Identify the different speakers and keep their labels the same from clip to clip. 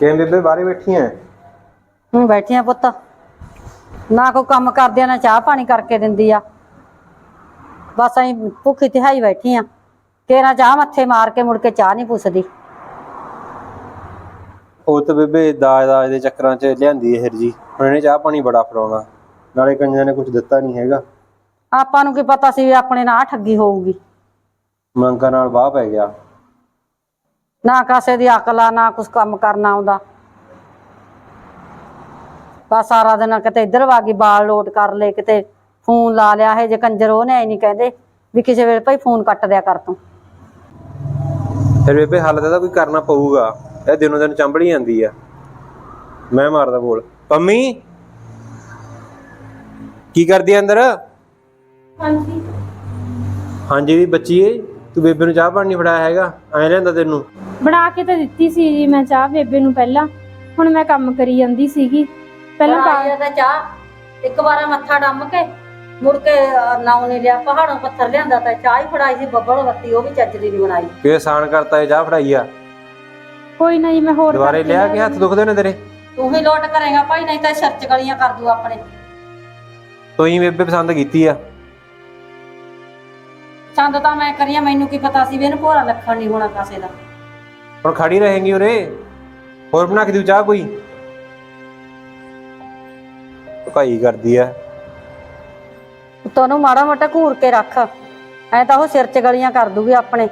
Speaker 1: ਕਿਵੇਂ ਬੇਬੇ ਬਾਹਰੇ ਬੈਠੀ ਐ?
Speaker 2: ਬੈਠੀਆਂ ਪੁੱਤ, ਨਾ ਕੋਈ ਕੰਮ ਕਰਦਿਆਂ ਨਾ ਚਾਹ ਪਾਣੀ ਕਰਕੇ ਦਿੰਦੀ ਆ। ਬਸ ਅਸੀਂ ਭੁੱਖੀ ਤਿਹਾਈ ਬੈਠੀ ਆ। ਤੇਰਾ ਚਾਹ ਮੱਥੇ ਮਾਰ ਕੇ ਮੁੜ ਕੇ ਚਾਹ ਨਹੀਂ ਪੁੱਛਦੀ।
Speaker 1: ਉਹ ਤਾਂ ਬੇਬੇ ਦਾਜ ਦੇ ਚੱਕਰਾਂ 'ਚ ਲਿਆਂਦੀ ਇਹ ਜੀ। ਹੁਣ ਇਹਨੇ ਚਾਹ ਪਾਣੀ ਬੜਾ ਫੜਾਉਣਾ, ਨਾਲੇ ਕੰਜਾਂ ਨੇ ਕੁਝ ਦਿੱਤਾ ਨਹੀਂ ਹੈਗਾ।
Speaker 2: ਆਪਾਂ ਨੂੰ ਕੀ ਪਤਾ ਸੀ ਵੀ ਆਪਣੇ ਨਾਲ ਠੱਗੀ ਹੋਊਗੀ।
Speaker 1: ਮੰਗਾਂ ਨਾਲ ਵਾਹ ਪੈ ਗਿਆ।
Speaker 2: ਨਾ ਕਾਸੇ ਦੀ ਅਕਲ ਆ, ਨਾ ਕੁਛ ਕੰਮ ਕਰਨਾ ਆਉਂਦਾ। ਬਸ ਸਾਰਾ ਦਿਨ ਕਿਤੇ ਇੱਧਰ ਵਾਗੀ ਬਾਲ ਲੋਟ ਕਰ ਲਏ, ਕਿਤੇ ਫੋਨ ਲਾ ਲਿਆ। ਇਹ ਜੇ ਕੰਜਰ ਉਹਨੇ ਐ ਨਹੀਂ ਕਹਿੰਦੇ ਵੀ ਕਿਸੇ ਵੇਲੇ ਭਾਈ ਫੋਨ ਕੱਟ ਦਿਆ ਕਰ ਤੂੰ।
Speaker 1: ਫਿਰ ਬੇਬੇ ਹੱਲ ਤਾਂ ਕੋਈ ਕਰਨਾ ਪਊਗਾ। ਇਹ ਦਿਨੋਂ ਦਿਨ ਚੰਬੜੀ ਜਾਂਦੀ ਆ। ਮੈਂ ਮਾਰਦਾ ਬੋਲ। ਪੰਮੀ ਕੀ ਕਰਦੀ ਆ ਅੰਦਰ?
Speaker 3: ਹਾਂਜੀ
Speaker 1: ਹਾਂਜੀ ਦੀ ਬੱਚੀ ਏ, ਤੂੰ ਬੇਬੇ ਨੂੰ ਚਾਹ ਪਾਣੀ ਨਹੀਂ ਫੜਾਇਆ ਹੈਗਾ। ਐਂ ਲਿਆਂਦਾ ਤੈਨੂੰ?
Speaker 3: ਬਣਾ ਕੇ ਤਾਂ ਦਿੱਤੀ ਸੀ ਜੀ ਮੈਂ ਚਾਹ ਬੇਬੇ ਨੂੰ ਪਹਿਲਾਂ। ਹੁਣ ਮੈਂ ਕੰਮ ਕਰੀ ਜਾਂਦੀ ਸੀਗੀ ਪਹਿਲਾਂ
Speaker 2: ਤਾਂ ਚਾਹ ਇੱਕ ਵਾਰ ਮੱਥਾ ਡੰਮ ਕੇ ਮੁੜ ਕੇ ਨਾਉ ਨਹੀਂ ਲਿਆ। ਪਹਾੜੋਂ ਪੱਥਰ ਲਿਆਂਦਾ ਤਾਂ ਚਾਹ ਹੀ ਫੜਾਈ ਸੀ ਬੱਬਲ ਬੱਤੀ, ਉਹ ਵੀ ਚੱਜ ਦੀ ਨਹੀਂ ਬਣਾਈ।
Speaker 1: ਕਿ ਆਸਾਨ ਕਰਤਾ ਇਹ ਚਾਹ ਫੜਾਈ ਆ।
Speaker 3: ਕੋਈ ਨਾ ਜੀ, ਮੈਂ ਹੋਰ
Speaker 1: ਦੁਬਾਰੇ ਲਿਆ ਕੇ ਹੱਥ ਦੁਖਦੇ ਨੇ ਤੇਰੇ?
Speaker 2: ਤੂੰ ਹੀ ਲੋਟ ਕਰੇਗਾ ਭਾਈ, ਨਹੀਂ ਤਾਂ ਸਿਰ ਚ ਗਲੀਆਂ ਕਰ ਦੂ ਆਪਣੇ।
Speaker 1: ਤੂੰ ਹੀ ਬੇਬੇ ਪਸੰਦ ਕੀਤੀ ਆ।
Speaker 2: ਚੰਦ ਤਾਂ ਮੈਂ ਕਰੀਆਂ, ਮੈਨੂੰ ਕੀ ਪਤਾ ਸੀ ਵੀ ਇਹਨੂੰ ਭੋਰਾ ਲੱਖਣ ਨਹੀਂ ਹੋਣਾ ਕਾਸੇ ਦਾ।
Speaker 1: ਹੁਣ ਖੜੀ ਰਹੇਂਗੀ ਉਰੇ? ਹੋਰ ਬਣਾ ਕੇ ਦਿਉ ਚਾਹ ਕੋਈ? ਭਾਈ ਕਰਦੀ ਆ।
Speaker 2: ਤੈਨੂੰ ਮਾੜਾ ਮੋਟਾ ਘੂਰ ਕੇ ਰੱਖ, ਐ ਤਾਂ ਉਹ ਸਿਰ ਚ ਗਲੀਆਂ ਕਰ ਦੂਗੀ ਆਪਣੇ।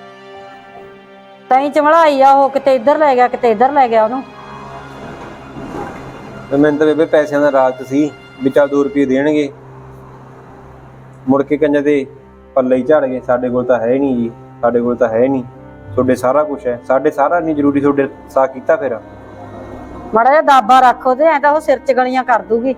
Speaker 2: ਤੈਂ ਚਮੜਾਈ ਆ ਉਹ, ਕਿਤੇ ਇੱਧਰ ਲੈ ਗਿਆ ਕਿਤੇ ਇੱਧਰ ਲੈ ਗਿਆ ਉਹਨੂੰ।
Speaker 1: ਮੈਨੂੰ ਤਾਂ ਬੇਬੇ ਪੈਸਿਆਂ ਦਾ ਲਾਲਚ ਸੀ ਵੀ ਚੱਲ 2 ਰੁਪਏ ਦੇਣਗੇ, ਮੁੜ ਕੇ ਕੰਜਾਂ ਦੇ ਪੱਲੇ ਹੀ ਝੜ ਗਏ। ਸਾਡੇ ਕੋਲ ਤਾਂ ਹੈ ਨਹੀਂ ਜੀ, ਸਾਡੇ ਕੋਲ ਤਾਂ ਹੈ ਨਹੀਂ। ਤੁਹਾਡੇ ਸਾਰਾ ਕੁਝ ਹੈ, ਸਾਡੇ ਸਾਰਾ ਨਹੀਂ ਜ਼ਰੂਰੀ। ਤੁਹਾਡੇ ਸਾ ਕੀਤਾ ਫਿਰ
Speaker 2: ਮਾੜਾ ਜਿਹਾ ਦਾਬਾ ਰੱਖ ਉਹਦੇ, ਐ ਤਾਂ ਉਹ ਸਿਰ ਚ ਗਲੀਆਂ ਕਰ ਦੂਗੀ।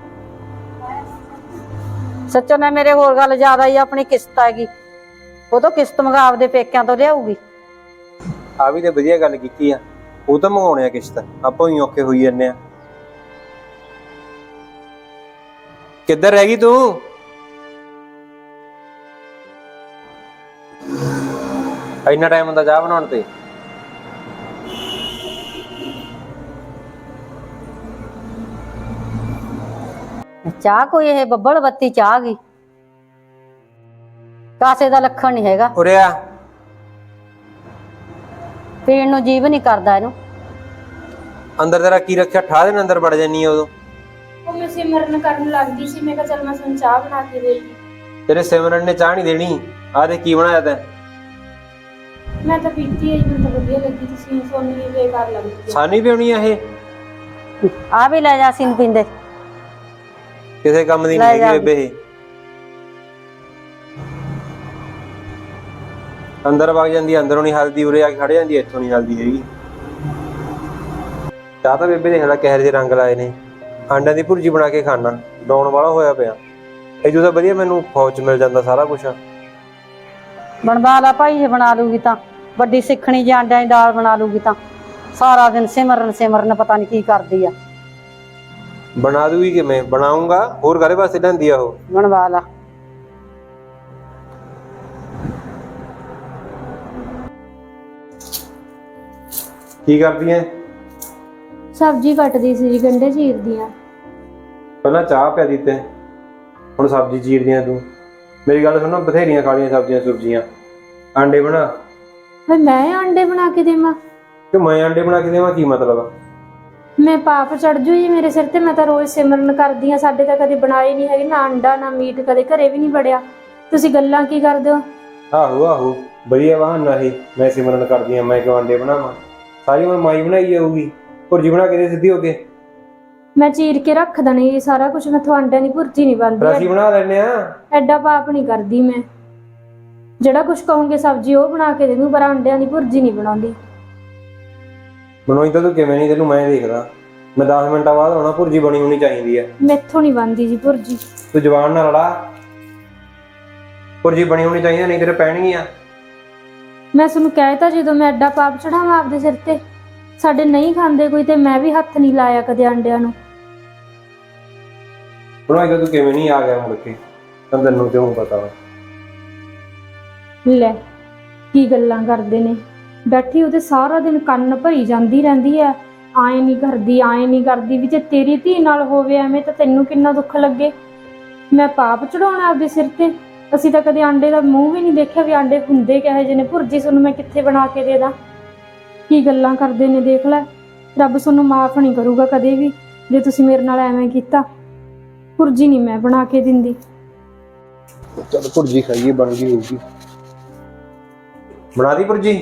Speaker 2: ਸੱਚੋ ਨੇ ਮੇਰੇ ਹੋਰ ਗੱਲ ਜ਼ਿਆਦਾ ਹੀ ਆਪਣੀ ਕਿਸ਼ਤ ਹੈਗੀ, ਉਹ ਤੋਂ ਕਿਸ਼ਤ ਮੰਗਾ ਆਪਦੇ ਪੇਕਿਆਂ ਤੋਂ ਲਿਆਊਗੀ।
Speaker 1: ਆ ਵੀ ਤੇ ਵਧੀਆ ਗੱਲ ਕੀਤੀ ਆ। ਉਹ ਤਾਂ ਮੰਗਾਉਣੇ ਆ ਕਿਸ਼ਤ, ਆਪਾਂ ਹੀ ਔਖੇ ਹੋਈ ਜਾਂਦੇ ਆ। ਕਿੱਧਰ ਰਹਿ ਗਈ ਤੂੰ? ਇੰਨਾ ਟਾਈਮ ਹੁੰਦਾ ਚਾਹ ਬਣਾਉਣ ਤੇ?
Speaker 2: ਚਾਹ ਕੋਈ ਇਹ ਬੱਬਲ ਬੱਤੀ ਚਾਹ ਗਈ, ਕਾਸੇ ਦਾ ਲੱਖਣ ਨਹੀਂ ਹੈਗਾ।
Speaker 1: ਉਰੇ ਆ।
Speaker 2: ਪੀਣ ਨੂੰ ਜੀਵ ਨਹੀਂ ਕਰਦਾ ਇਹਨੂੰ।
Speaker 1: ਅੰਦਰ ਤੇਰਾ ਕੀ ਰੱਖਿਆ? ਠਾਹ ਦੇ ਅੰਦਰ ਵੜ ਜਾਨੀ ਆ ਉਦੋਂ।
Speaker 3: ਉਹ ਮੈਂ ਸਿਮਰਨ ਕਰਨ ਲੱਗਦੀ ਸੀ, ਮੈਂ ਕਿਹਾ ਚੱਲ ਮੈਂ ਤੁਹਾਨੂੰ ਚਾਹ ਬਣਾ ਕੇ ਦੇ ਦਿੱਤੀ।
Speaker 1: ਤੇਰੇ ਸਿਮਰਨ ਨੇ ਚਾਹ ਨਹੀਂ ਦੇਣੀ। ਆਹ ਦੇ ਕੀ ਬਣਾਇਆ ਤੈਂ?
Speaker 3: ਮੈਂ ਤਾਂ ਪੀਤੀ ਹੈ ਜੀ, ਮੈਨੂੰ ਤਾਂ ਵਧੀਆ ਲੱਗੀ। ਤੁਸੀਂ ਸੋਨੀ ਵੀ ਬੇਕਾਰ ਲੱਗਦੀ
Speaker 1: ਸਾਨੀ ਪਿਉਣੀ ਆ ਇਹ?
Speaker 2: ਆ ਵੀ ਲੈ ਜਾ, ਅਸੀਂ ਨੀ ਪੀਂਦੇ।
Speaker 1: ਕਿਸੇ ਕੰਮ ਦੀ ਨਹੀਂ ਹੈਗੀ ਬੇਬੇ ਇਹ। ਅੰਦਰ ਵਗ ਜਾਂਦੀ, ਅੰਦਰੋਂ ਨਹੀਂ ਹਲਦੀ, ਉਰੇ ਆ ਕੇ ਖੜ ਜਾਂਦੀ, ਇੱਥੋਂ ਨਹੀਂ ਹਲਦੀ ਹੈਗੀ। ਚਾਹ ਤਾਂ ਬੇਬੇ ਦੇਖ ਲੈ ਕਿਹੋ ਜਿਹੇ ਰੰਗ ਲਾਏ ਨੇ। ਆਂਡਿਆਂ ਦੀ ਭੁਰਜੀ ਬਣਾ ਕੇ ਖਾਣਾ, ਡਾਉਣ ਵਾਲਾ ਹੋਇਆ ਪਿਆ। ਇਹ ਤਾਂ ਵਧੀਆ ਮੈਨੂੰ ਫੌਜ 'ਚ ਮਿਲ ਜਾਂਦਾ ਸਾਰਾ ਕੁਛ।
Speaker 2: ਬਣਵਾ ਲਾ ਭਾਈ, ਜੇ ਬਣਾ ਲੂਗੀ ਤਾਂ ਵੱਡੀ ਸਿੱਖਣੀ। ਜੇ ਆਂਡਿਆਂ ਦੀ ਦਾਲ ਬਣਾ ਲੂਗੀ ਤਾਂ ਸਾਰਾ ਦਿਨ ਸਿਮਰਨ ਸਿਮਰਨ ਪਤਾ ਨਹੀਂ ਕੀ ਕਰਦੀ ਆ।
Speaker 1: ਬਣਾ ਦੂਗੀ ਕਿਵੇਂ? ਬਣਾਉਂਗਾ ਹੋਰ ਘਰੇ ਵਾਸਤੇ ਲੈਂਦੀ ਆ ਉਹ।
Speaker 2: ਬਣਵਾ ਲਾ।
Speaker 1: ਕੀ ਕਰਦੀ ਐ?
Speaker 3: ਸਬਜ਼ੀ ਕੱਟਦੀ ਸੀ ਜੀ, ਗੰਢੇ ਚੀਰਦੀ ਆ।
Speaker 1: ਪਹਿਲਾਂ ਚਾਹ ਪਿਆ ਦਿੱਤੇ, ਹੁਣ ਸਬਜ਼ੀ ਚੀਰਦੀ ਆ ਤੂੰ। ਮੇਰੀ ਗੱਲ ਸੁਣੋ, ਬਥੇਰੀਆਂ ਖਾਲੀਆਂ ਸਬਜ਼ੀਆਂ ਸੁਬਜ਼ੀਆਂ। ਆਂਡੇ ਬਣਾ।
Speaker 3: ਫਿਰ ਮੈਂ ਆਂਡੇ ਬਣਾ ਕੇ ਦੇਵਾਂ?
Speaker 1: ਕਿ ਮੈਂ ਆਂਡੇ ਬਣਾ ਕੇ ਦੇਵਾਂ? ਕੀ ਮਤਲਬ?
Speaker 3: ਮੈਂ ਪਾਪ ਚੜ ਜੂ ਜੀ ਮੇਰੇ ਸਿਰ ਤੇ। ਮੈਂ ਤਾਂ ਰੋਜ਼ ਸਿਮਰਨ ਕਰਦੀ ਆ, ਸਾਡੇ ਤਾਂ ਕਦੇ ਬਣਾਏ ਨਹੀਂ ਹੈਗੇ ਨਾ ਅੰਡਾ ਨਾ ਮੀਟ, ਕਦੇ ਘਰੇ ਵੀ ਨਹੀਂ ਵੜਿਆ। ਤੁਸੀਂ ਗੱਲਾਂ ਕੀ ਕਰਦੇ ਹੋ?
Speaker 1: ਆਹੋ ਆਹੋ, ਵਧੀਆ ਬਹਾਨਾ ਇਹ। ਮੈਂ ਸਿਮਰਨ ਕਰਦੀ ਆ, ਮੈਂ ਕਿਉਂ ਆਂਡੇ ਬਣਾਵਾਂ? ਸਾਰੀ ਮੈਂ ਮਾਈ ਬਣਾਈ ਜਾਊਗੀ। ਭੁਰਜੀ ਬਣਾ ਕੇ ਦੇ ਸਿੱਧੀ ਹੋ ਕੇ।
Speaker 3: ਮੈਂ ਚੀਰ ਕੇ ਰੱਖ ਦੇਣੀ ਜੀ ਸਾਰਾ ਕੁਝ। ਮੈਂ ਆਂਡਿਆਂ ਦੀ ਭੁਰਜੀ ਨਹੀਂ ਬਣਦੀ।
Speaker 1: ਅਸੀਂ ਬਣਾ ਲੈਨੇ ਆ।
Speaker 3: ਐਡਾ ਪਾਪ ਨਹੀਂ ਕਰਦੀ ਮੈਂ। ਜਿਹੜਾ ਕੁਝ ਕਹੋਗੇ ਸਬਜ਼ੀ ਉਹ ਬਣਾ ਕੇ ਦੇ ਦੂੰ, ਪਰ ਆਂਡਿਆਂ ਦੀ ਭੁਰਜੀ ਨਹੀਂ ਬਣਾਉਂਦੀ।
Speaker 1: ਬਣਾਈ ਤਾਂ ਤੂੰ ਕਿਵੇਂ ਨਹੀਂ? ਤੈਨੂੰ ਮੈਂ ਦੇਖਦਾ, ਮੈਂ 10 ਮਿੰਟਾਂ ਬਾਅਦ ਆਉਣਾ। ਭੁਰਜੀ ਬਣੀ ਹੋਣੀ ਚਾਹੀਦੀ ਆ।
Speaker 3: ਮੈਥੋਂ ਨਹੀਂ ਬਣਦੀ ਜੀ ਭੁਰਜੀ।
Speaker 1: ਤੂੰ ਜ਼ਬਾਨ ਨਾਲ ਲੜਾ। ਭੁਰਜੀ ਬਣੀ ਹੋਣੀ ਚਾਹੀਦੀ, ਨਹੀਂ ਤੇਰੇ ਪੈਣਗੀਆਂ।
Speaker 3: ਮੈਂ ਤੁਹਾਨੂੰ ਕਹਿ ਤਾ, ਜਦੋਂ ਮੈਂ ਐਡਾ ਪਾਪ ਚੜਾਵਾਂ ਆਪਦੇ ਸਿਰ ਤੇ। ਸਾਡੇ ਨਹੀਂ ਖਾਂਦੇ ਕੋਈ, ਤੇ ਮੈਂ ਵੀ ਹੱਥ ਨਹੀਂ ਲਾਇਆ ਕਦੇ ਆਂਡਿਆਂ ਨੂੰ।
Speaker 1: ਬਣਾਈ ਤਾਂ ਤੂੰ ਕਿਵੇਂ ਨਹੀਂ ਆ ਗਿਆ ਮੁੜ ਕੇ? ਤਾਂ ਤੈਨੂੰ ਕਿਉਂ ਪਤਾ ਵਾ?
Speaker 3: ਲੈ ਕੀ ਗੱਲਾਂ ਕਰਦੇ ਨੇ। ਬੈਠੀ ਉਹਦੇ ਸਾਰਾ ਦਿਨ ਕੰਨ ਭਰੀ ਜਾਂਦੀ ਰਹਿੰਦੀ ਹੈ। ਆਏ ਨਹੀਂ ਕਰਦੀ ਵੀ ਜੇ ਤੇਰੀ ਧੀ ਨਾਲ ਹੋਵੇ ਐਵੇਂ ਤਾਂ ਤੈਨੂੰ ਕਿੰਨਾ ਦੁੱਖ ਲੱਗੇ। ਮੈਂ ਪਾਪ ਚੜਾਉਣਾ ਆਪਦੇ ਸਿਰ ਤੇ। ਅਸੀਂ ਤਾਂ ਕਦੇ ਆਂਡੇ ਦਾ ਮੂੰਹ ਵੀ ਨਹੀਂ ਦੇਖਿਆ ਵੀ ਆਂਡੇ ਹੁੰਦੇ ਕਿਹੋ ਜਿਹੇ ਨੇ। ਭੁਰਜੀ ਤੁਹਾਨੂੰ ਮੈਂ ਕਿੱਥੇ ਬਣਾ ਕੇ ਦੇ ਦਾਂ? ਕੀ ਗੱਲਾਂ ਕਰਦੇ ਨੇ ਦੇਖ ਲੈ। ਰੱਬ ਤੁਹਾਨੂੰ ਮਾਫ ਨਹੀਂ ਕਰੂਗਾ ਕਦੇ ਵੀ ਜੇ ਤੁਸੀਂ ਮੇਰੇ ਨਾਲ ਐਵੇਂ ਕੀਤਾ। ਭੁਰਜੀ ਨਹੀਂ ਮੈਂ ਬਣਾ ਕੇ ਦਿੰਦੀ।
Speaker 1: ਚਲ ਭੁਰਜੀ ਖਾਈਏ, ਬਣ ਗਈ ਹੋਊਗੀ। ਬਣਾ ਦੀ ਭੁਰਜੀ।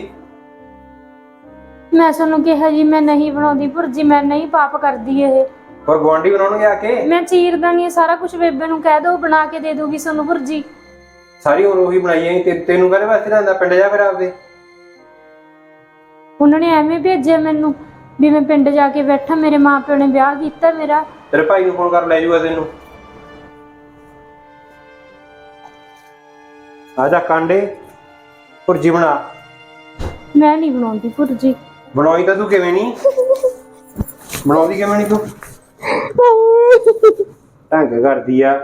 Speaker 3: ਮੈਂ ਤੁਹਾਨੂੰ ਕਿਹਾ ਜੀ ਮੈਂ ਨਹੀਂ ਬਣਾਉਂਦੀ ਭੁਰਜੀ, ਮੈਂ ਨਹੀਂ ਪਾਪ ਕਰਦੀ ਇਹ।
Speaker 1: ਪਰ ਗੁਆਂਢੀ ਬਣਾਉਣਗੇ ਆ ਕੇ।
Speaker 3: ਮੈਂ ਚੀਰਦਾ ਨਹੀਂ ਸਾਰਾ ਕੁਝ। ਬੇਬੇ ਨੂੰ ਕਹਿ ਦੋ ਬਣਾ ਕੇ ਦੇ ਦੂਗੀ ਤੁਹਾਨੂੰ ਭੁਰਜੀ।
Speaker 1: ਸਾਰੀ ਉਮਰ ਉਹੀ ਬਣਾਈ ਆਈ ਤੈਨੂੰ ਕਾਹਦੇ ਵਾਸਤੇ ਲਿਆਂਦਾ? ਪਿੰਡ ਜਾ ਫਿਰ ਆਪਦੇ।
Speaker 3: ਉਹਨਾਂ ਨੇ ਐਵੇਂ ਭੇਜਿਆ ਮੈਨੂੰ ਵੀ ਮੈਂ ਪਿੰਡ ਜਾ ਕੇ ਬੈਠਾ। ਮੇਰੇ ਮਾਪਿਓ ਨੇ ਵਿਆਹ ਕੀਤਾ ਮੇਰਾ।
Speaker 1: ਤੇਰੇ ਭਾਈ ਨੂੰ ਫੋਨ ਕਰ ਲੈ ਜੂਗਾ ਤੈਨੂੰ। ਆ ਜਾ ਕਾਂਡੇ, ਭੁਰਜੀ ਬਣਾ।
Speaker 3: ਮੈਂ ਨਹੀਂ ਬਣਾਉਂਦੀ ਭੁਰਜੀ।
Speaker 1: ਬਣਾਈ ਤਾਂ ਤੂੰ ਕਿਵੇਂ ਨਹੀਂ ਬਣਾਉਂਦੀ? ਕਿਵੇਂ ਨਹੀਂ ਤੂੰ? ਢੰਗ ਕਰਦੀ ਆ।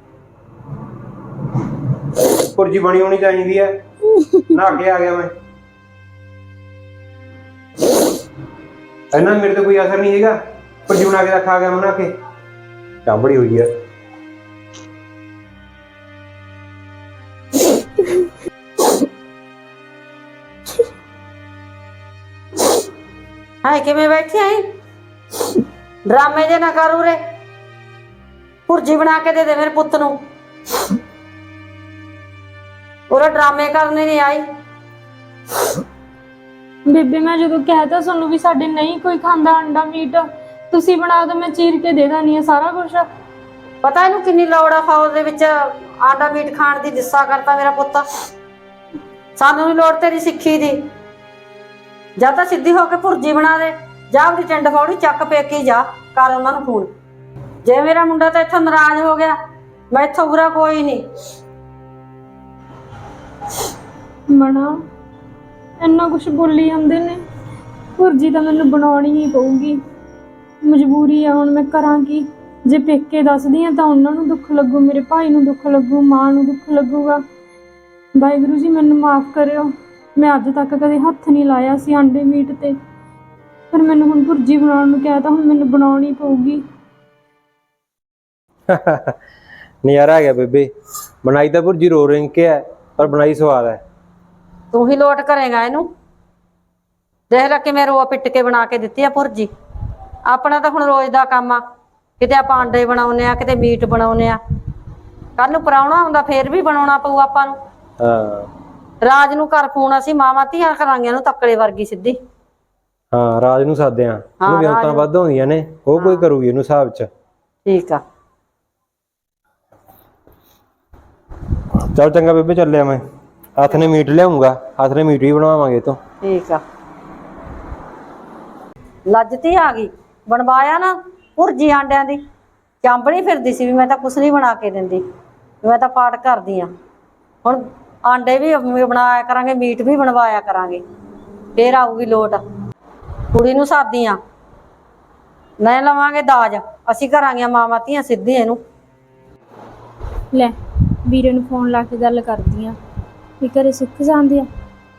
Speaker 1: ਭੁਰਜੀ ਬਣੀ ਹੋਣੀ ਚਾਹੀਦੀ ਆ। ਨਹਾ ਕੇ ਆ ਗਿਆ ਮੈਂ। ਇਹਨਾਂ ਮੇਰੇ ਤੇ ਕੋਈ ਅਸਰ ਨਹੀਂ ਹੈਗਾ। ਭੁਰਜੀ ਬਣਾ ਕੇ ਰੱਖ ਆ ਗਿਆ ਮੈਂ ਨਹਾ ਕੇ। ਚਾਂਬੜੀ ਹੋਈ ਆ।
Speaker 2: ਹਾਏ ਕਿਵੇਂ ਬੈਠੀ ਆਈ? ਡਰਾਮੇ ਜੇ ਨਾ ਕਰ ਉਰੇ। ਭੁਰਜੀ ਬਣਾ ਕੇ ਦੇ ਦੇ ਮੇਰੇ ਪੁੱਤ ਨੂੰ। ਉਰੇ ਡਰਾਮੇ ਕਰਨੇ ਨਹੀਂ ਆਈ।
Speaker 3: ਬੇਬੇ ਮੈਂ ਜਦੋਂ ਕਹਿਤਾ ਤੁਹਾਨੂੰ ਵੀ ਸਾਡੇ ਨਹੀਂ ਕੋਈ ਖਾਂਦਾ ਅੰਡਾ ਮੀਟ, ਤੁਸੀਂ ਬਣਾ ਦੋ ਮੈਂ ਚੀਰ ਕੇ ਦੇ ਦਾਨੀ ਆ ਸਾਰਾ ਕੁਝ।
Speaker 2: ਪਤਾ ਇਹਨੂੰ ਕਿੰਨੀ ਲੋੜ ਆ ਫੌਜ ਦੇ ਵਿੱਚ ਆਂਡਾ ਮੀਟ ਖਾਣ ਦੀ। ਦਿਸਾ ਕਰਤਾ ਮੇਰਾ ਪੁੱਤ। ਸਾਨੂੰ ਵੀ ਲੋੜ ਤੇਰੀ ਸਿੱਖੀ ਦੀ। ਜਾਂ ਤਾਂ ਸਿੱਧੀ ਹੋ ਕੇ ਭੁਰਜੀ ਬਣਾ ਦੇ, ਜਾਂ ਆਪਣੀ ਟਿੰਡ ਫੌੜੀ ਚੱਕ ਪੇਕੀ ਜਾ ਕਰ ਉਹਨਾਂ ਨੂੰ ਫੋਨ। ਜੇ ਮੇਰਾ ਮੁੰਡਾ ਤਾਂ ਇੱਥੋਂ ਨਾਰਾਜ਼ ਹੋ ਗਿਆ, ਮੈਂ ਇੱਥੋਂ ਬੁਰਾ ਕੋਈ ਨਹੀਂ।
Speaker 3: ਮਣਾ ਇੰਨਾ ਕੁਝ ਬੋਲੀ ਜਾਂਦੇ ਨੇ। ਭੁਰਜੀ ਤਾਂ ਮੈਨੂੰ ਬਣਾਉਣੀ ਹੀ ਪਊਗੀ, ਮਜਬੂਰੀ ਆ। ਹੁਣ ਮੈਂ ਕਰਾਂ ਕੀ? ਜੇ ਪੇਕੇ ਦੱਸਦੀ ਆ ਤਾਂ ਉਹਨਾਂ ਨੂੰ ਦੁੱਖ ਲੱਗੂ, ਮੇਰੇ ਭਾਈ ਨੂੰ ਦੁੱਖ ਲੱਗੂ, ਮਾਂ ਨੂੰ ਦੁੱਖ ਲੱਗੂਗਾ। ਵਾਹਿਗੁਰੂ ਜੀ ਮੈਨੂੰ ਮਾਫ ਕਰਿਓ। ਮੈਂ ਅੱਜ ਤੱਕ ਕਦੇ ਹੱਥ ਨਹੀਂ ਲਾਇਆ ਸੀ ਆਂਡੇ ਮੀਟ ਤੇ, ਪਰ ਮੈਨੂੰ ਹੁਣ ਭੁਰਜੀ ਬਣਾਉਣ ਨੂੰ ਕਿਹਾ ਤਾਂ ਹੁਣ ਮੈਨੂੰ ਬਣਾਉਣੀ ਪਊਗੀ।
Speaker 1: ਨਜ਼ਾਰਾ ਆ ਗਿਆ ਬੇਬੇ। ਬਣਾਈ ਤਾਂ ਭੁਰਜੀ ਰੋ ਰਿੰਗ ਕੇ ਹੈ, ਪਰ ਬਣਾਈ ਸਵਾਦ ਹੈ।
Speaker 2: ਤੂੰ ਹੀ ਲੋਟ ਕਰੇਗਾ ਇਹਨੂੰ। ਦੇਖ ਲੈ ਕਿਵੇਂ ਰੋ ਪਿੱਟ ਕੇ ਬਣਾ ਕੇ ਦਿੱਤੀ ਆ ਭੁਰਜੀ। ਆਪਣਾ ਤਾਂ ਹੁਣ ਰੋਜ਼ ਦਾ ਕੰਮ ਆ। ਕਿਤੇ ਆਪਾਂ ਆਂਡੇ ਬਣਾਉਨੇ ਆ, ਕਿਤੇ ਮੀਟ ਬਣਾਉਨੇ ਆ। ਕੱਲ ਨੂੰ ਪ੍ਰਾਹੁਣਾ ਆਉਂਦਾ ਫੇਰ ਵੀ ਬਣਾਉਣਾ ਪਊ ਆਪਾਂ ਨੂੰ।
Speaker 1: ਹਾਂ
Speaker 2: ਰਾਜ ਨੂੰ ਘਰ ਫੋਨ ਅਸੀਂ ਮਾਵਾਂ ਧੀਆਂ ਕਰਾਂਗੇ ਇਹਨੂੰ ਤੱਕੜੇ ਵਰਗੀ ਸਿੱਧੀ।
Speaker 1: ਹਾਂ ਰਾਜ ਨੂੰ ਸਾਦੇ ਆ। ਉਹਨੂੰ ਵਿਆਹਤਾਂ ਵੱਧ ਹੁੰਦੀਆਂ ਨੇ, ਉਹ ਕੋਈ ਕਰੂਗੀ ਇਹਨੂੰ ਹਿਸਾਬ ਚ।
Speaker 2: ਠੀਕ ਆ।
Speaker 1: ਚੱਲ ਚੰਗਾ ਬੇਬੇ, ਚੱਲਿਆ ਮੈਂ। ਹੱਥ ਨੇ ਮੀਟ ਲਿਆਉਂਗਾ, ਹੱਥ ਨੇ ਮੀਟ ਵੀ ਬਣਵਾਵਾਂਗੇ ਤੋਂ।
Speaker 2: ਠੀਕ ਆ। ਲੱਜਤੀ ਆ ਗਈ। ਬਣਵਾਇਆ ਨਾ ਭੁਰਜੀ ਆਂਡਿਆਂ ਦੀ। ਚਾਂਬੜੀ ਫਿਰਦੀ ਸੀ ਵੀ ਮੈਂ ਤਾਂ ਕੁਛ ਨਹੀਂ ਬਣਾ ਕੇ ਦਿੰਦੀ, ਮੈਂ ਤਾਂ ਪਾਠ ਕਰਦੀ ਆ। ਹੁਣ ਆਂਡੇ ਵੀ ਬਣਾਇਆ ਕਰਾਂਗੇ, ਮੀਟ ਵੀ ਬਣਵਾਇਆ ਕਰਾਂਗੇ, ਫੇਰ ਆਊਗੀ ਲੋਟ। ਕੁੜੀ ਨੂੰ ਸਾਦੀ ਆ, ਨਹੀਂ ਲਵਾਂਗੇ ਦਾਜ। ਅਸੀਂ ਕਰਾਂਗੇ ਮਾਵਾਂ ਧੀਆਂ ਸਿੱਧੀ ਇਹਨੂੰ।
Speaker 3: ਲੈ ਵੀਰੇ ਨੂੰ ਫੋਨ ਲਾ ਕੇ ਗੱਲ ਕਰਦੀ ਆ ਵੀ ਘਰੇ ਸੁੱਖ ਜਾਂਦੇ ਆ।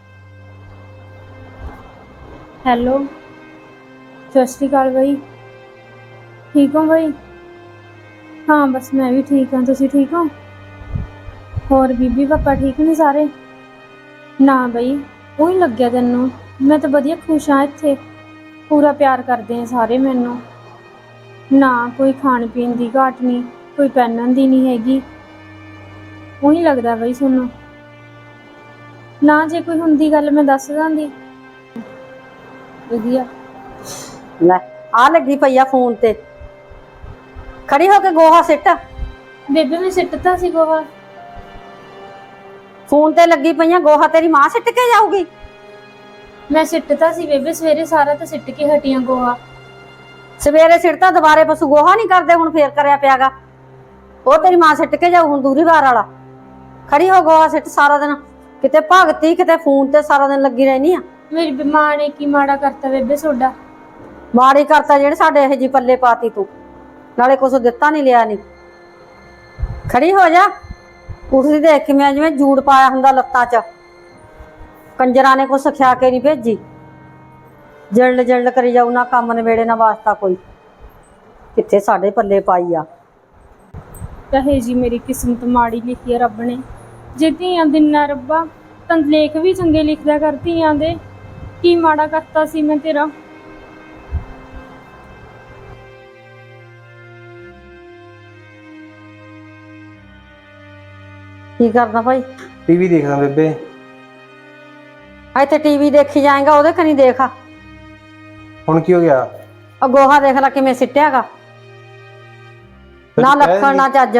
Speaker 3: ਹੈਲੋ, ਸਤਿ ਸ਼੍ਰੀ ਅਕਾਲ ਬਾਈ। ਠੀਕ ਹੋ ਬਾਈ? ਹਾਂ ਬਸ ਮੈਂ ਵੀ ਠੀਕ ਹਾਂ। ਤੁਸੀਂ ਠੀਕ ਹੋ? ਹੋਰ ਬੀਬੀ ਪਾਪਾ ਠੀਕ ਨੇ ਸਾਰੇ? ਨਾ ਬਈ ਉਹ ਹੀ ਲੱਗਿਆ ਤੈਨੂੰ। ਮੈਂ ਤਾਂ ਵਧੀਆ ਖੁਸ਼ ਹਾਂ ਇੱਥੇ, ਪੂਰਾ ਪਿਆਰ ਕਰਦੇ ਆ ਸਾਰੇ ਮੈਨੂੰ। ਨਾ ਕੋਈ ਖਾਣ ਪੀਣ ਦੀ ਘਾਟ ਨਹੀਂ, ਕੋਈ ਪਹਿਨਣ ਦੀ ਨਹੀਂ ਹੈਗੀ। ਉਹੀ ਲੱਗਦਾ ਬਈ ਤੁਹਾਨੂੰ। ਨਾ ਜੇ ਕੋਈ ਹੁੰਦੀ ਗੱਲ ਮੈਂ ਦੱਸ ਦਾਂਦੀ। ਵਧੀਆ।
Speaker 2: ਲੈ ਆ ਲੱਗੀ ਪਈ ਆ ਫੋਨ ਤੇ, ਖੜੀ ਹੋ ਕੇ ਗੋਹਾ ਸਿੱਟ।
Speaker 3: ਬੇਬੇ ਮੈਂ ਸਿੱਟਤਾ ਸੀ ਗੋਹਾ।
Speaker 2: ਫੋਨ ਤੇ ਲੱਗੀ ਪਈਆਂ, ਗੋਹਾ ਤੇਰੀ ਮਾਂ ਸਿੱਟ ਕੇ ਜਾਊਗੀ।
Speaker 3: ਮੈਂ ਸਿੱਟਤਾ ਸੀ ਬੇਬੇ ਸਵੇਰੇ, ਸਾਰਾ ਤਾਂ ਸਿੱਟ ਕੇ ਹਟੀਆਂ ਗੋਹਾ।
Speaker 2: ਸਵੇਰੇ ਸਿੱਟਤਾ, ਦੁਬਾਰੇ ਪਸ਼ੂ ਗੋਹਾ ਨਹੀਂ ਕਰਦੇ ਹੁਣ ਫੇਰ ਕਰਿਆ ਪਿਆਗਾ। ਉਹ ਤੇਰੀ ਮਾਂ ਸਿੱਟ ਕੇ ਜਾਊ ਹੁਣ ਦੂਰੀ ਵਾਰ ਵਾਲਾ। ਖੜੀ ਹੋ ਗੋਹਾ ਸਿੱਟ। ਸਾਰਾ ਦਿਨ ਕਿਤੇ ਭਗਤੀ ਕਿਤੇ ਫੋਨ ਤੇ ਸਾਰਾ ਦਿਨ ਲੱਗੀ ਰਹਿਣੀ ਆ।
Speaker 3: ਮੇਰੀ ਮਾਂ ਨੇ ਕੀ ਮਾੜਾ ਕਰਤਾ ਬੇਬੇ ਤੁਹਾਡਾ?
Speaker 2: ਮਾੜੀ ਕਰਤਾ ਜਿਹੜੇ ਸਾਡੇ ਇਹ ਜੀ ਪੱਲੇ ਪਾਤੀ ਤੂੰ, ਨਾਲੇ ਕੁਛ ਦਿੱਤਾ ਨਹੀਂ ਲਿਆ ਨਹੀਂ। ਖੜੀ ਹੋ ਜਾ। ਉੱਠਦੀ ਦੇਖ ਕਿਵੇਂ ਜਿਵੇਂ ਜੂੜ ਪਾਇਆ ਹੁੰਦਾ ਲੱਤਾਂ 'ਚ। ਕੰਜਰਾਂ ਨੇ ਕੁਛ ਸਿਖਾ ਕੇ ਨਹੀਂ ਭੇਜੀ। ਜਲਦ ਜਲਦ ਕਰੀ ਜਾਊ, ਨਾ ਕੰਮ ਨਵੇੜੇ ਨਾ ਵਾਸਤਾ ਕੋਈ। ਕਿੱਥੇ ਸਾਡੇ ਪੱਲੇ ਪਾਈ ਆ।
Speaker 3: ਕਹੇ ਜੀ ਮੇਰੀ ਕਿਸਮਤ ਮਾੜੀ ਲਿਖੀ ਆ ਰੱਬ ਨੇ। ਜੇ ਧੀਆਂ ਦਿਨਾ ਰੱਬਾ ਤਾਂ ਲੇਖ ਵੀ ਚੰਗੇ ਲਿਖਦਾ ਕਰ ਧੀਆਂ ਦੇ। ਕੀ ਮਾੜਾ ਕਰਤਾ ਸੀ ਮੈਂ ਤੇਰਾ।
Speaker 2: ਕੀ ਕਰਦਾ ਭਾਈ?
Speaker 1: ਟੀਵੀ ਦੇਖਦਾ ਬੇਬੇ।
Speaker 2: ਇੱਥੇ ਟੀਵੀ ਦੇਖੀ ਜਾਏਗਾ, ਉਹਦੇ ਕਨੀ ਦੇਖ।
Speaker 1: ਹੁਣ ਕੀ ਹੋ ਗਿਆ?
Speaker 2: ਆ ਗੋਹਾ ਦੇਖ ਲੈ ਕਿਵੇਂ ਸਿੱਟਿਆਗਾ, ਨਾ ਲੱਖਣ ਨਾ ਚੱਜ।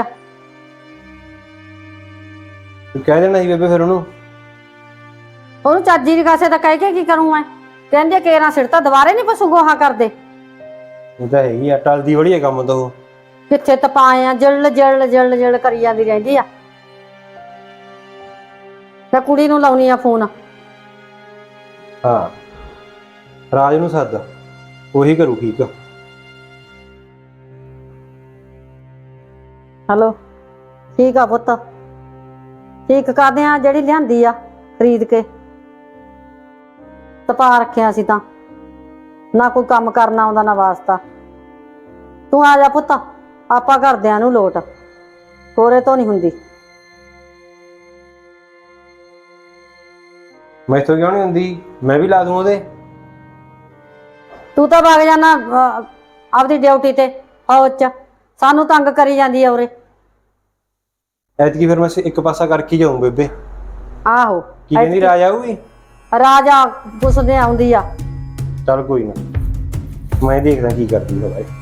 Speaker 1: ਤੂੰ ਕਹਿ ਦੇਣਾ ਸੀ ਬੇਬੇ ਫਿਰ ਉਹਨੂੰ।
Speaker 2: ਉਹਨੂੰ ਚੱਜੀ ਦੀ ਕਾਸੇ ਤਾਂ ਕਹਿ ਕੇ ਕੀ ਕਰੂੰ ਮੈਂ? ਕਹਿੰਦੇ ਕੇਰਾਂ ਸਿੱਟਤਾ, ਦੁਬਾਰੇ ਨਹੀਂ ਪਸ਼ੂ ਗੋਹਾ ਕਰਦੇ।
Speaker 1: ਉਹ ਤਾਂ ਹੈਗੀ ਆ, ਟਲਦੀ ਬੜੀ ਆ ਕੰਮ ਤੋਂ।
Speaker 2: ਕਿੱਥੇ ਤਪਾਏ ਆ, ਜਲ ਜਲ ਜਲ ਜਲ ਕਰੀ ਜਾਂਦੀ ਰਹਿੰਦੀ ਆ। ਤੇ ਕੁੜੀ ਨੂੰ ਲਾਉਣੀ ਆ ਫੋਨ।
Speaker 1: ਹਾਂ, ਰਾਜ ਨੂੰ ਸੱਦ, ਉਹੀ ਕਰੂ ਠੀਕ।
Speaker 2: ਹੈਲੋ, ਠੀਕ ਆ ਪੁੱਤ, ਠੀਕ ਕਰਦੇ ਆ। ਜਿਹੜੀ ਲਿਆਂਦੀ ਆ ਖਰੀਦ ਕੇ ਤਪਾ ਰੱਖਿਆ ਸੀ, ਤਾਂ ਨਾ ਕੋਈ ਕੰਮ ਕਰਨਾ ਆਉਂਦਾ ਨਾ ਵਾਸਤਾ। ਤੂੰ ਆ ਜਾ ਪੁੱਤ, ਆਪਾਂ ਘਰਦਿਆਂ ਨੂੰ ਲੋਟ, ਕੋਰੇ ਤੋਂ ਨਹੀਂ ਹੁੰਦੀ।
Speaker 1: ਮੈਥੋਂ ਕਿਉਂ ਨਹੀਂ ਹੁੰਦੀ? ਮੈਂ ਵੀ ਲਾ ਦੂੰ ਉਹਦੇ।
Speaker 2: ਤੂੰ ਤਾਂ ਵਗ ਜਾਣਾ ਆਪਦੀ ਡਿਊਟੀ ਤੇ ਫੌਜ ਚ, ਸਾਨੂੰ ਤੰਗ ਕਰੀ ਜਾਂਦੀ ਆ ਉਰੇ।
Speaker 1: ਐਤਕੀ ਫਿਰ ਮੈਂ ਇੱਕ ਪਾਸਾ ਕਰਕੇ ਜਾਊਂ ਬੇਬੇ।
Speaker 2: ਆਹੋ,
Speaker 1: ਕੀ ਕਹਿੰਦੀ ਰਾਜ ਆਊਗੀ?
Speaker 2: ਰਾਜਾ ਪੁੱਛਦੇ ਆਉਂਦੀ ਆ।
Speaker 1: ਚੱਲ ਕੋਈ ਨਾ, ਮੈਂ ਦੇਖਦਾ ਕੀ ਕਰਦੀ ਹੈ ਭਾਈ।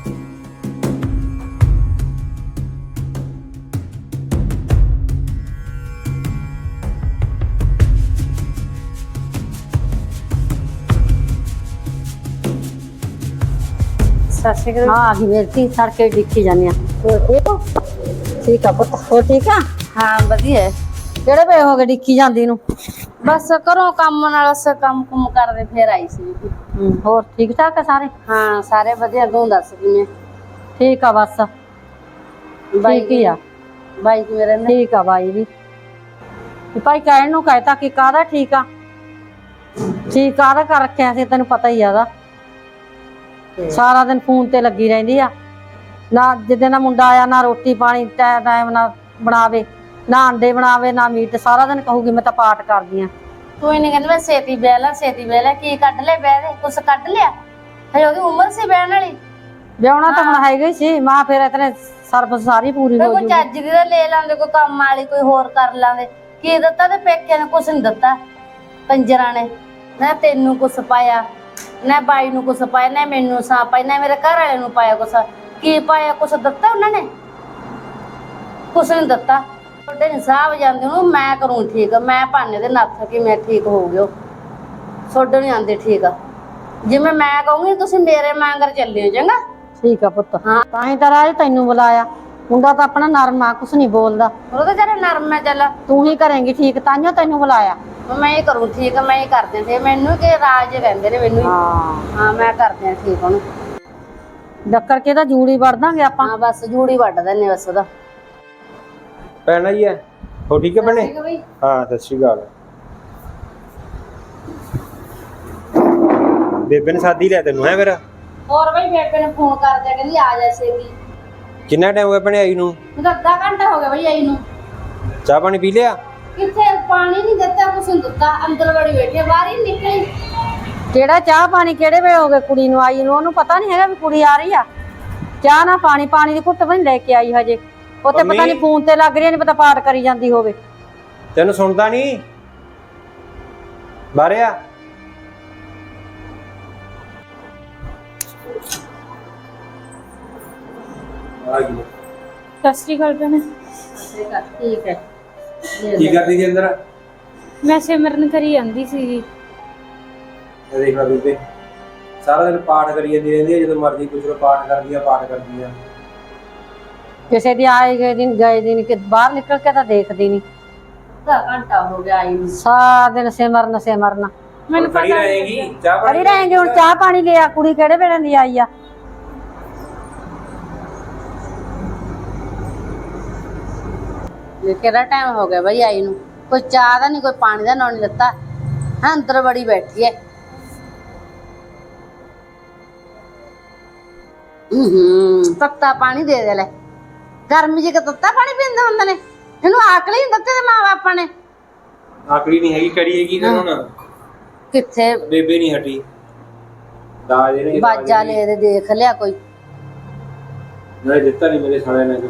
Speaker 2: ਸਤਿ ਸ਼੍ਰੀ ਅਕਾਲ। ਹਾਂ ਆ ਗਈ ਮੇਰੀ ਧੀ, ਸੜਕੇ ਡਿੱਕੀ ਜਾਂਦੀ ਆ। ਠੀਕ ਹੋ? ਠੀਕ ਆ ਪੁੱਤ, ਹੋਰ ਠੀਕ ਆ?
Speaker 4: ਹਾਂ ਵਧੀਆ।
Speaker 2: ਕਿਹੜੇ ਵੇ ਹੋ ਗਏ ਡਿੱਕੀ ਜਾਂਦੀ ਨੂੰ?
Speaker 4: ਬਸ ਕਰੋ ਕੰਮ ਨਾਲ, ਬਸ ਕੰਮ ਕੁਮ ਕਰਦੇ ਫੇਰ ਆਈ ਸੀ।
Speaker 2: ਹੋਰ ਠੀਕ ਠਾਕ ਆ ਸਾਰੇ?
Speaker 4: ਹਾਂ ਸਾਰੇ ਵਧੀਆ। ਤੂੰ ਦੱਸ ਕਿਵੇਂ?
Speaker 2: ਠੀਕ ਆ ਬਸ, ਠੀਕ ਹੀ ਆ।
Speaker 4: ਬਾਈ ਕਿਵੇਂ ਰਹਿੰਦੇ?
Speaker 2: ਠੀਕ ਆ ਬਾਈ ਵੀ। ਭਾਈ ਕਹਿਣ ਨੂੰ ਕਹਿਤਾ ਕਿ ਕਾਹਦਾ ਠੀਕ ਆ, ਠੀਕ ਕਾਹਦਾ ਕਰ ਰੱਖਿਆ ਸੀ, ਤੈਨੂੰ ਪਤਾ ਹੀ ਆਦਾ। ਸਾਰਾ ਦਿਨ ਫੋਨ ਤੇ ਲੱਗੀ ਰਹਿੰਦੀ ਆ, ਨਾ ਜਿੱਦੇ ਨਾ ਮੁੰਡਾ ਆਇਆ ਨਾ ਰੋਟੀ ਪਾਣੀ ਟਾਈਮ ਨਾ ਬਣਾਵੇ, ਨਾ ਅੰਡੇ ਬਣਾਵੇ ਨਾ ਮੀਟ। ਸਾਰਾ ਦਿਨ ਕਹੂਗੀ ਮੈਂ ਤਾਂ ਪਾਠ ਕਰਦੀ ਆ।
Speaker 4: ਤੂੰ ਇਹਨੇ ਕਹਿੰਦੀ ਮੈਂ ਛੇਤੀ ਬਹਿ ਲਾ, ਛੇਤੀ ਬਹਿ ਲਾ। ਕੀ ਕੱਢ ਲੈ ਬਹਿ ਦੇ, ਕੁਛ ਕੱਢ ਲਿਆ? ਹਜੇ ਉਹਦੀ ਉਮਰ ਸੀ ਬਹਿਣ ਵਾਲੀ।
Speaker 2: ਵਿਆਹੁਣਾ ਤਾਂ ਹੁਣ ਹੈਗਾ ਹੀ ਸੀ, ਮਾਂ ਫਿਰ ਇਤਨੇ ਸਰਬਸ ਸਾਰੀ ਪੂਰੀ ਹੋ
Speaker 4: ਕੋਈ
Speaker 2: ਜੂਗੀ।
Speaker 4: ਚੱਜ ਦੀ ਤਾਂ ਲੈ ਲਾਂਦੇ, ਕੋਈ ਕੰਮ ਵਾਲੀ ਕੋਈ ਹੋਰ ਕਰ ਲਾਂਦੇ। ਕੀ ਦਿੱਤਾ ਤੇ ਪੇਕਿਆਂ ਨੇ? ਕੁਛ ਨੀ ਦਿੱਤਾ ਕੰਜਰਾਂ ਨੇ। ਨਾ ਤੈਨੂੰ ਕੁਛ ਪਾਇਆ, ਨਾ ਬਾਈ ਨੂੰ ਕੁਛ ਪਾਇਆ, ਨਾ ਮੈਨੂੰ ਸਾਂ ਪਾਇਆ, ਨਾ ਮੇਰੇ ਘਰ ਵਾਲੇ ਨੂੰ ਪਾਇਆ ਕੁਛ। ਕੀ ਪਾਇਆ? ਕੁਛ ਦਿੱਤਾ ਉਹਨਾਂ ਨੇ? ਕੁਛ ਨੀ ਦਿੱਤਾ। ਤੁਹਾਡੇ ਨੀ ਸਾਹਬ ਜਾਂਦੇ ਉਹਨੂੰ, ਮੈਂ ਕਰੂੰ ਠੀਕ। ਮੈਂ ਭਾਨੇ ਦੇ ਨੱਥ ਕਿ ਮੈਂ ਠੀਕ ਹੋ ਗਿਓ। ਸੋਡੇ ਨਹੀਂ ਆਂਦੇ ਠੀਕ। ਜਿਵੇਂ ਮੈਂ ਕਹੂੰਗੀ ਤੁਸੀਂ ਮੇਰੇ ਮਾਂਗਰ ਚੱਲਿਓ, ਚੰਗਾ?
Speaker 2: ਠੀਕ ਆ ਪੁੱਤ। ਹਾਂ ਤਾਂ ਹੀ ਤਾਂ ਰਾਜ ਤੈਨੂੰ ਬੁਲਾਇਆ। ਮੁੰਡਾ ਤਾਂ ਆਪਣਾ ਨਰਮ ਆ, ਕੁਛ ਨਹੀਂ ਬੋਲਦਾ।
Speaker 4: ਉਹ ਤਾਂ ਜਰਾ ਨਰਮ ਹੈ। ਚੱਲ
Speaker 2: ਤੂੰ ਹੀ ਕਰੇਂਗੀ ਠੀਕ, ਤਾਂਹੀਓ ਤੈਨੂੰ ਬੁਲਾਇਆ।
Speaker 4: ਮੈਂ ਹੀ ਕਰੂੰ ਠੀਕ, ਮੈਂ ਹੀ ਕਰਦੇ ਤੇ ਮੈਨੂੰ ਕਿ ਰਾਜ ਕਹਿੰਦੇ ਨੇ ਮੈਨੂੰ ਹੀ। ਹਾਂ ਮੈਂ ਕਰਦੇ ਆ ਠੀਕ ਉਹਨੂੰ।
Speaker 2: ਡੱਕਰ ਕੇ ਤਾਂ ਜੂੜੀ ਵੜ ਦਾਂਗੇ ਆਪਾਂ।
Speaker 4: ਹਾਂ ਬਸ ਜੂੜੀ ਵੱਢ ਦਿੰਨੇ ਬਸ ਉਹਦਾ।
Speaker 1: ਪੈਣਾ ਹੀ ਹੈ। ਹੋ ਠੀਕ ਹੈ ਭੈਣੇ?
Speaker 4: ਠੀਕ ਹੈ ਬਈ।
Speaker 1: ਹਾਂ ਸਤਿ ਸ਼੍ਰੀ ਅਕਾਲ। ਬੇਬੇ ਨੇ ਸਾਦੀ ਲਿਆ ਤੈਨੂੰ ਹੈ ਫਿਰ?
Speaker 4: ਹੋਰ ਬਈ ਬੇਬੇ ਨੇ ਫੋਨ ਕਰ ਦਿਆ, ਕਹਿੰਦੀ ਆ ਜਾ ਛੇਤੀ।
Speaker 1: ਕਿੰਨਾ ਟਾਈਮ ਹੋ ਗਿਆ ਭੈਣੇ ਆਈ ਨੂੰ?
Speaker 4: ਮੈਨੂੰ ਤਾਂ ਅੱਧਾ ਘੰਟਾ ਹੋ ਗਿਆ ਬਈ ਆਈ ਨੂੰ।
Speaker 1: ਚਾਹ ਪਾਣੀ ਪੀ ਲਿਆ?
Speaker 4: ਕਿੱਥੇ ਪਾਣੀ ਨਹੀਂ ਦਿੱਤਾ, ਕੁਛ ਨਹੀਂ ਦਿੱਤਾ। ਅੰਦਰ ਬੜੀ ਬੈਠੀ ਆ, ਬਾਹਰ ਹੀ ਨੀ ਨਿਕਲੀ।
Speaker 2: ਕਿਹੜਾ ਚਾਹ ਪਾਣੀ ਕਿਹੜੇ ਵੇ ਹੋ ਗਏ ਕੁੜੀ ਨੂੰ ਆਈ ਨੂੰ? ਉਹਨੂੰ ਪਤਾ ਨਹੀਂ ਹੈਗਾ ਵੀ ਕੁੜੀ ਆ ਰਹੀ ਆ। ਚਾਹ ਨਾ ਪਾਣੀ, ਪਾਣੀ ਦੀ ਘੁੱਟ ਵੀ ਨੀ ਲੈ ਕੇ ਆਈ ਹਜੇ। ਉੱਥੇ ਪਤਾ ਨਹੀਂ ਫੋਨ ਤੇ ਲੱਗ ਰਹੀ, ਨਹੀਂ ਪਤਾ ਪਾਠ ਕਰੀ ਜਾਂਦੀ ਹੋਵੇ।
Speaker 1: ਤੈਨੂੰ ਸੁਣਦਾ ਨਹੀਂ? ਬਾਹਰ ਆ।
Speaker 3: ਸਤਿ ਸ਼੍ਰੀ ਅਕਾਲ ਭੈਣੇ।
Speaker 4: ਠੀਕ ਹੈ।
Speaker 1: ਕੀ ਕਰਦੀ ਸੀ ਅੰਦਰ?
Speaker 3: ਮੈਂ ਸਿਮਰਨ ਕਰੀ ਜਾਂਦੀ ਸੀਗੀ।
Speaker 1: ਇਹ ਦੇਖ ਲੈ ਬੇਬੇ, ਸਾਰਾ ਦਿਨ ਪਾਠ ਕਰੀ ਜਾਂਦੀ ਰਹਿੰਦੀ ਹੈ। ਜਦੋਂ ਮਰਜ਼ੀ ਪੁੱਛ ਲਓ ਪਾਠ ਕਰਦੀ ਆ, ਪਾਠ ਕਰਦੀ ਆ।
Speaker 2: ਕਿਸੇ ਦੀ ਆਏ ਗਏ ਦਿਨ ਕਿ ਬਾਹਰ ਨਿਕਲ ਕੇ ਤਾਂ ਦੇਖਦੀ ਨਹੀਂ।
Speaker 4: ਅੱਧਾ ਘੰਟਾ ਹੋ ਗਿਆ ਆਈ ਨੂੰ।
Speaker 2: ਸਾਰਾ ਦਿਨ ਸਿਮਰਨ ਸਿਮਰਨ।
Speaker 3: ਮੈਨੂੰ
Speaker 1: ਖੜੀ
Speaker 3: ਪਤਾ
Speaker 1: ਰਹੇਗੀ, ਚਾਹ ਪਾਣੀ
Speaker 2: ਕਰੀ ਰਹੇਂਗੇ। ਹੁਣ ਚਾਹ ਪਾਣੀ ਲਿਆ, ਕੁੜੀ ਕਿਹੜੇ ਵੇਲੇ ਦੀ ਆਈ ਆ?
Speaker 4: ਕਿਹੜਾ ਟਾਈਮ ਹੋ ਗਿਆ ਬਈ ਆਈ ਨੂੰ? ਕੋਈ ਚਾਹ ਦਾ ਨਹੀਂ, ਕੋਈ ਪਾਣੀ ਦਾ ਨਾਂ ਨਹੀਂ ਦਿੱਤਾ। ਹਾਂ ਅੰਦਰ ਬੜੀ ਬੈਠੀ ਹੈ। ਤੱਤਾ ਪਾਣੀ ਦੇ ਲੈ। ਗਰਮੀ ਚ ਤੱਤਾ ਪਾਣੀ ਪੀਂਦੇ ਹੁੰਦੇ ਨੇ, ਇਹਨੂੰ ਆਕਲ ਹੀ ਨਹੀਂ ਦਿੱਤੇ ਤੇ ਮਾਂ ਬਾਪਾਂ ਨੇ।
Speaker 1: ਆਕੜੀ ਨਹੀਂ ਹੈਗੀ, ਕਰੀਏ ਕੀ ਫਿਰ ਹੁਣ?
Speaker 4: ਕਿੱਥੇ
Speaker 1: ਬੇਬੇ ਨਹੀਂ ਹਟੀ, ਦਾਜ ਇਹਨੇ
Speaker 4: ਬਾਜਾ ਲੈ ਦੇ ਦੇਖ ਲਿਆ ਕੋਈ।
Speaker 1: ਨਾਲੇ ਦਿੱਤਾ ਨਹੀਂ ਮੇਰੇ ਸਾਲੇ ਨੇ ਕੁਛ।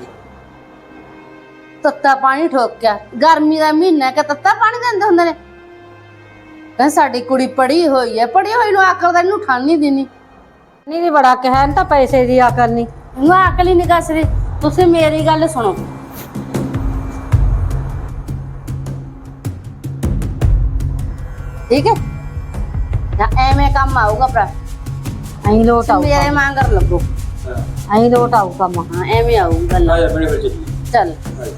Speaker 4: ਤੱਤਾ ਪਾਣੀ ਠੋਕਿਆ, ਗਰਮੀ ਦਾ ਮਹੀਨਾ ਕਿ ਤੱਤਾ ਪਾਣੀ ਦਿੰਦੇ ਹੁੰਦੇ ਨੇ। ਕਹਿੰਦੇ ਸਾਡੀ ਕੁੜੀ ਪੜ੍ਹੀ ਹੋਈ ਹੈ, ਪੜ੍ਹੀ ਹੋਈ ਨੂੰ ਅਕਲ ਦਾ ਇਹਨੂੰ ਠਾਣ ਨਹੀਂ ਦੇਣੀ।
Speaker 2: ਨਹੀਂ ਬੜਾ ਕਿਹਾ ਇਹਨੂੰ ਤਾਂ ਪੈਸੇ ਦੀ ਅਕਲ ਨਹੀਂ।
Speaker 4: ਇਹਨੂੰ ਅਕਲ ਹੀ ਨਹੀਂ ਕੱਸਦੀ। ਤੁਸੀਂ ਮੇਰੀ ਗੱਲ ਸੁਣੋ, ਠੀਕ ਹੈ? ਜਾਂ ਐਵੇਂ ਕੰਮ ਆਊਗਾ ਭਰਾ,
Speaker 2: ਐਂ ਲੋਟ ਆਊ,
Speaker 4: ਮੇਰੇ ਮਾਂਗਰ ਲੱਗੋ।
Speaker 2: ਐਂ ਲੋਟ ਆਊ ਕੰਮ।
Speaker 4: ਹਾਂ ਐਵੇਂ ਆਊ ਗੱਲ।
Speaker 1: ਆ ਜਾ ਬਣੇ ਫਿਰ ਚੱਲੀਏ।
Speaker 4: ਚੱਲ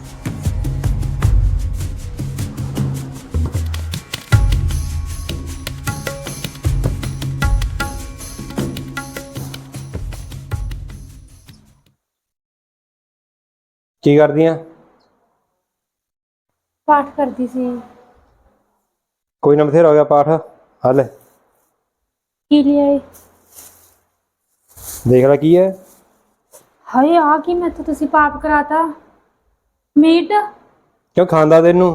Speaker 1: ਕੀ ਕਰਦੀ ਆ?
Speaker 3: ਪਾਠ ਕਰਦੀ ਸੀ।
Speaker 1: ਕੋਈ ਨਾ, ਬਥੇਰਾ ਹੋ ਗਿਆ ਪਾਠ। ਹੱਲ
Speaker 3: ਕੀ ਲਿਆਏ?
Speaker 1: ਦੇਖ ਲੈ ਕੀ ਹੈ।
Speaker 3: ਹਾਏ ਆ ਕੀ ਮੈਥੋਂ ਤੁਸੀਂ ਪਾਪ ਕਰਾਤਾ? ਮੀਟ
Speaker 1: ਕਿਉਂ ਖਾਂਦਾ ਤੈਨੂੰ?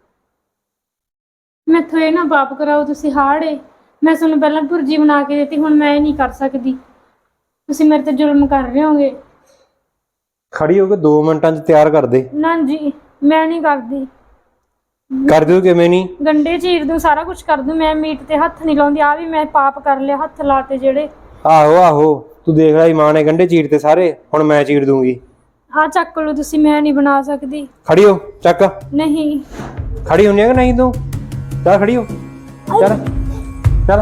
Speaker 3: ਮੈਥੋਂ ਇਹ ਨਾ ਪਾਪ ਕਰਾਓ ਤੁਸੀਂ। ਹਾੜੇ ਮੈਂ ਤੁਹਾਨੂੰ ਪਹਿਲਾਂ ਭੁਰਜੀ ਬਣਾ ਕੇ ਦਿੱਤੀ, ਹੁਣ ਮੈਂ ਇਹ ਨਹੀਂ ਕਰ ਸਕਦੀ। ਤੁਸੀਂ ਮੇਰੇ ਤੇ ਜ਼ੁਲਮ ਕਰ ਰਹੇ ਹੋਗੇ।
Speaker 1: ਖੜੀ ਹੋ ਕੇ 2 ਮਿੰਟਾਂ 'ਚ ਤਿਆਰ ਕਰ ਦੇ।
Speaker 3: ਨਾ ਜੀ ਮੈਂ ਨਹੀਂ ਕਰਦੀ।
Speaker 1: ਕਰ ਦਿਓ ਕਿਵੇਂ ਨਹੀਂ?
Speaker 3: ਗੰਡੇ ਚੀਰ ਦੂੰ, ਸਾਰਾ ਕੁਝ ਕਰ ਦੂੰ, ਮੈਂ ਮੀਟ ਤੇ ਹੱਥ ਨਹੀਂ ਲਾਉਂਦੀ। ਆ ਵੀ ਮੈਂ ਪਾਪ ਕਰ ਲਿਆ, ਹੱਥ ਲਾਤੇ ਜਿਹੜੇ।
Speaker 1: ਆਹੋ ਆਹੋ, ਤੂੰ ਦੇਖ ਲੈ ਮਾਂ ਨੇ ਗੰਢੇ ਚੀਰ ਤੇ ਸਾਰੇ, ਹੁਣ ਮੈਂ ਚੀਰ ਦੂੰਗੀ।
Speaker 3: ਆ ਚੱਕ ਲਓ ਤੁਸੀਂ, ਮੈਂ ਨਹੀਂ ਬਣਾ ਸਕਦੀ।
Speaker 1: ਖੜੀ ਹੋ, ਚੱਕ।
Speaker 3: ਨਹੀਂ
Speaker 1: ਖੜੀ ਹੁੰਨੀ ਆ ਕਿ ਨਹੀਂ ਤੂੰ? ਚੱਲ ਖੜੀ ਹੋ, ਚੱਲ ਚੱਲ।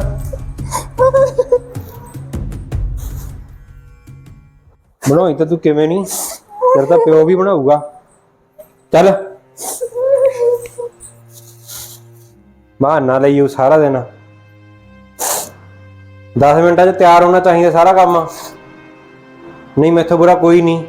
Speaker 1: ਬਣਾਈ ਤਾਂ ਤੂੰ ਕਿਵੇਂ ਨਹੀਂ, ਤੇਰਾ ਤਾਂ ਪਿਓ ਵੀ ਬਣਾਊਗਾ। ਚੱਲ ਬਹਾਨਾ ਲਈ ਉਹ ਸਾਰਾ ਦਿਨ। 10 ਮਿੰਟਾਂ 'ਚ ਤਿਆਰ ਹੋਣਾ ਚਾਹੀਦਾ ਸਾਰਾ ਕੰਮ, ਨਹੀਂ ਮੈਥੋਂ ਬੁਰਾ ਕੋਈ ਨਹੀਂ।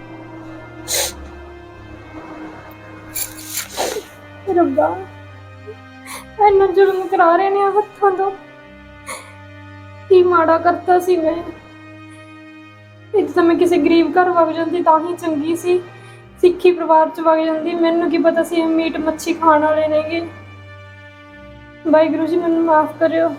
Speaker 3: ਰੱਬਾ ਇੰਨਾ ਜ਼ੁਲਮ ਕਰਾ ਰਹੇ ਨੇ ਹੱਥਾਂ ਤੋਂ। ਕੀ ਮਾੜਾ ਕਰਤਾ ਸੀ ਮੈਂ। ਇੱਕ ਤਾਂ ਮੈਂ ਕਿਸੇ ਗਰੀਬ ਘਰ ਵਗ ਜਾਂਦੀ ਤਾਂ ਹੀ ਚੰਗੀ ਸੀ, ਸਿੱਖੀ ਪਰਿਵਾਰ ਚ ਵਗ ਜਾਂਦੀ। ਮੈਨੂੰ ਕੀ ਪਤਾ ਸੀ ਮੀਟ ਮੱਛੀ ਖਾਣ ਵਾਲੇ ਨੇਗੇ। ਵਾਹਿਗੁਰੂ ਜੀ ਮੈਨੂੰ ਮਾਫ ਕਰਿਓ।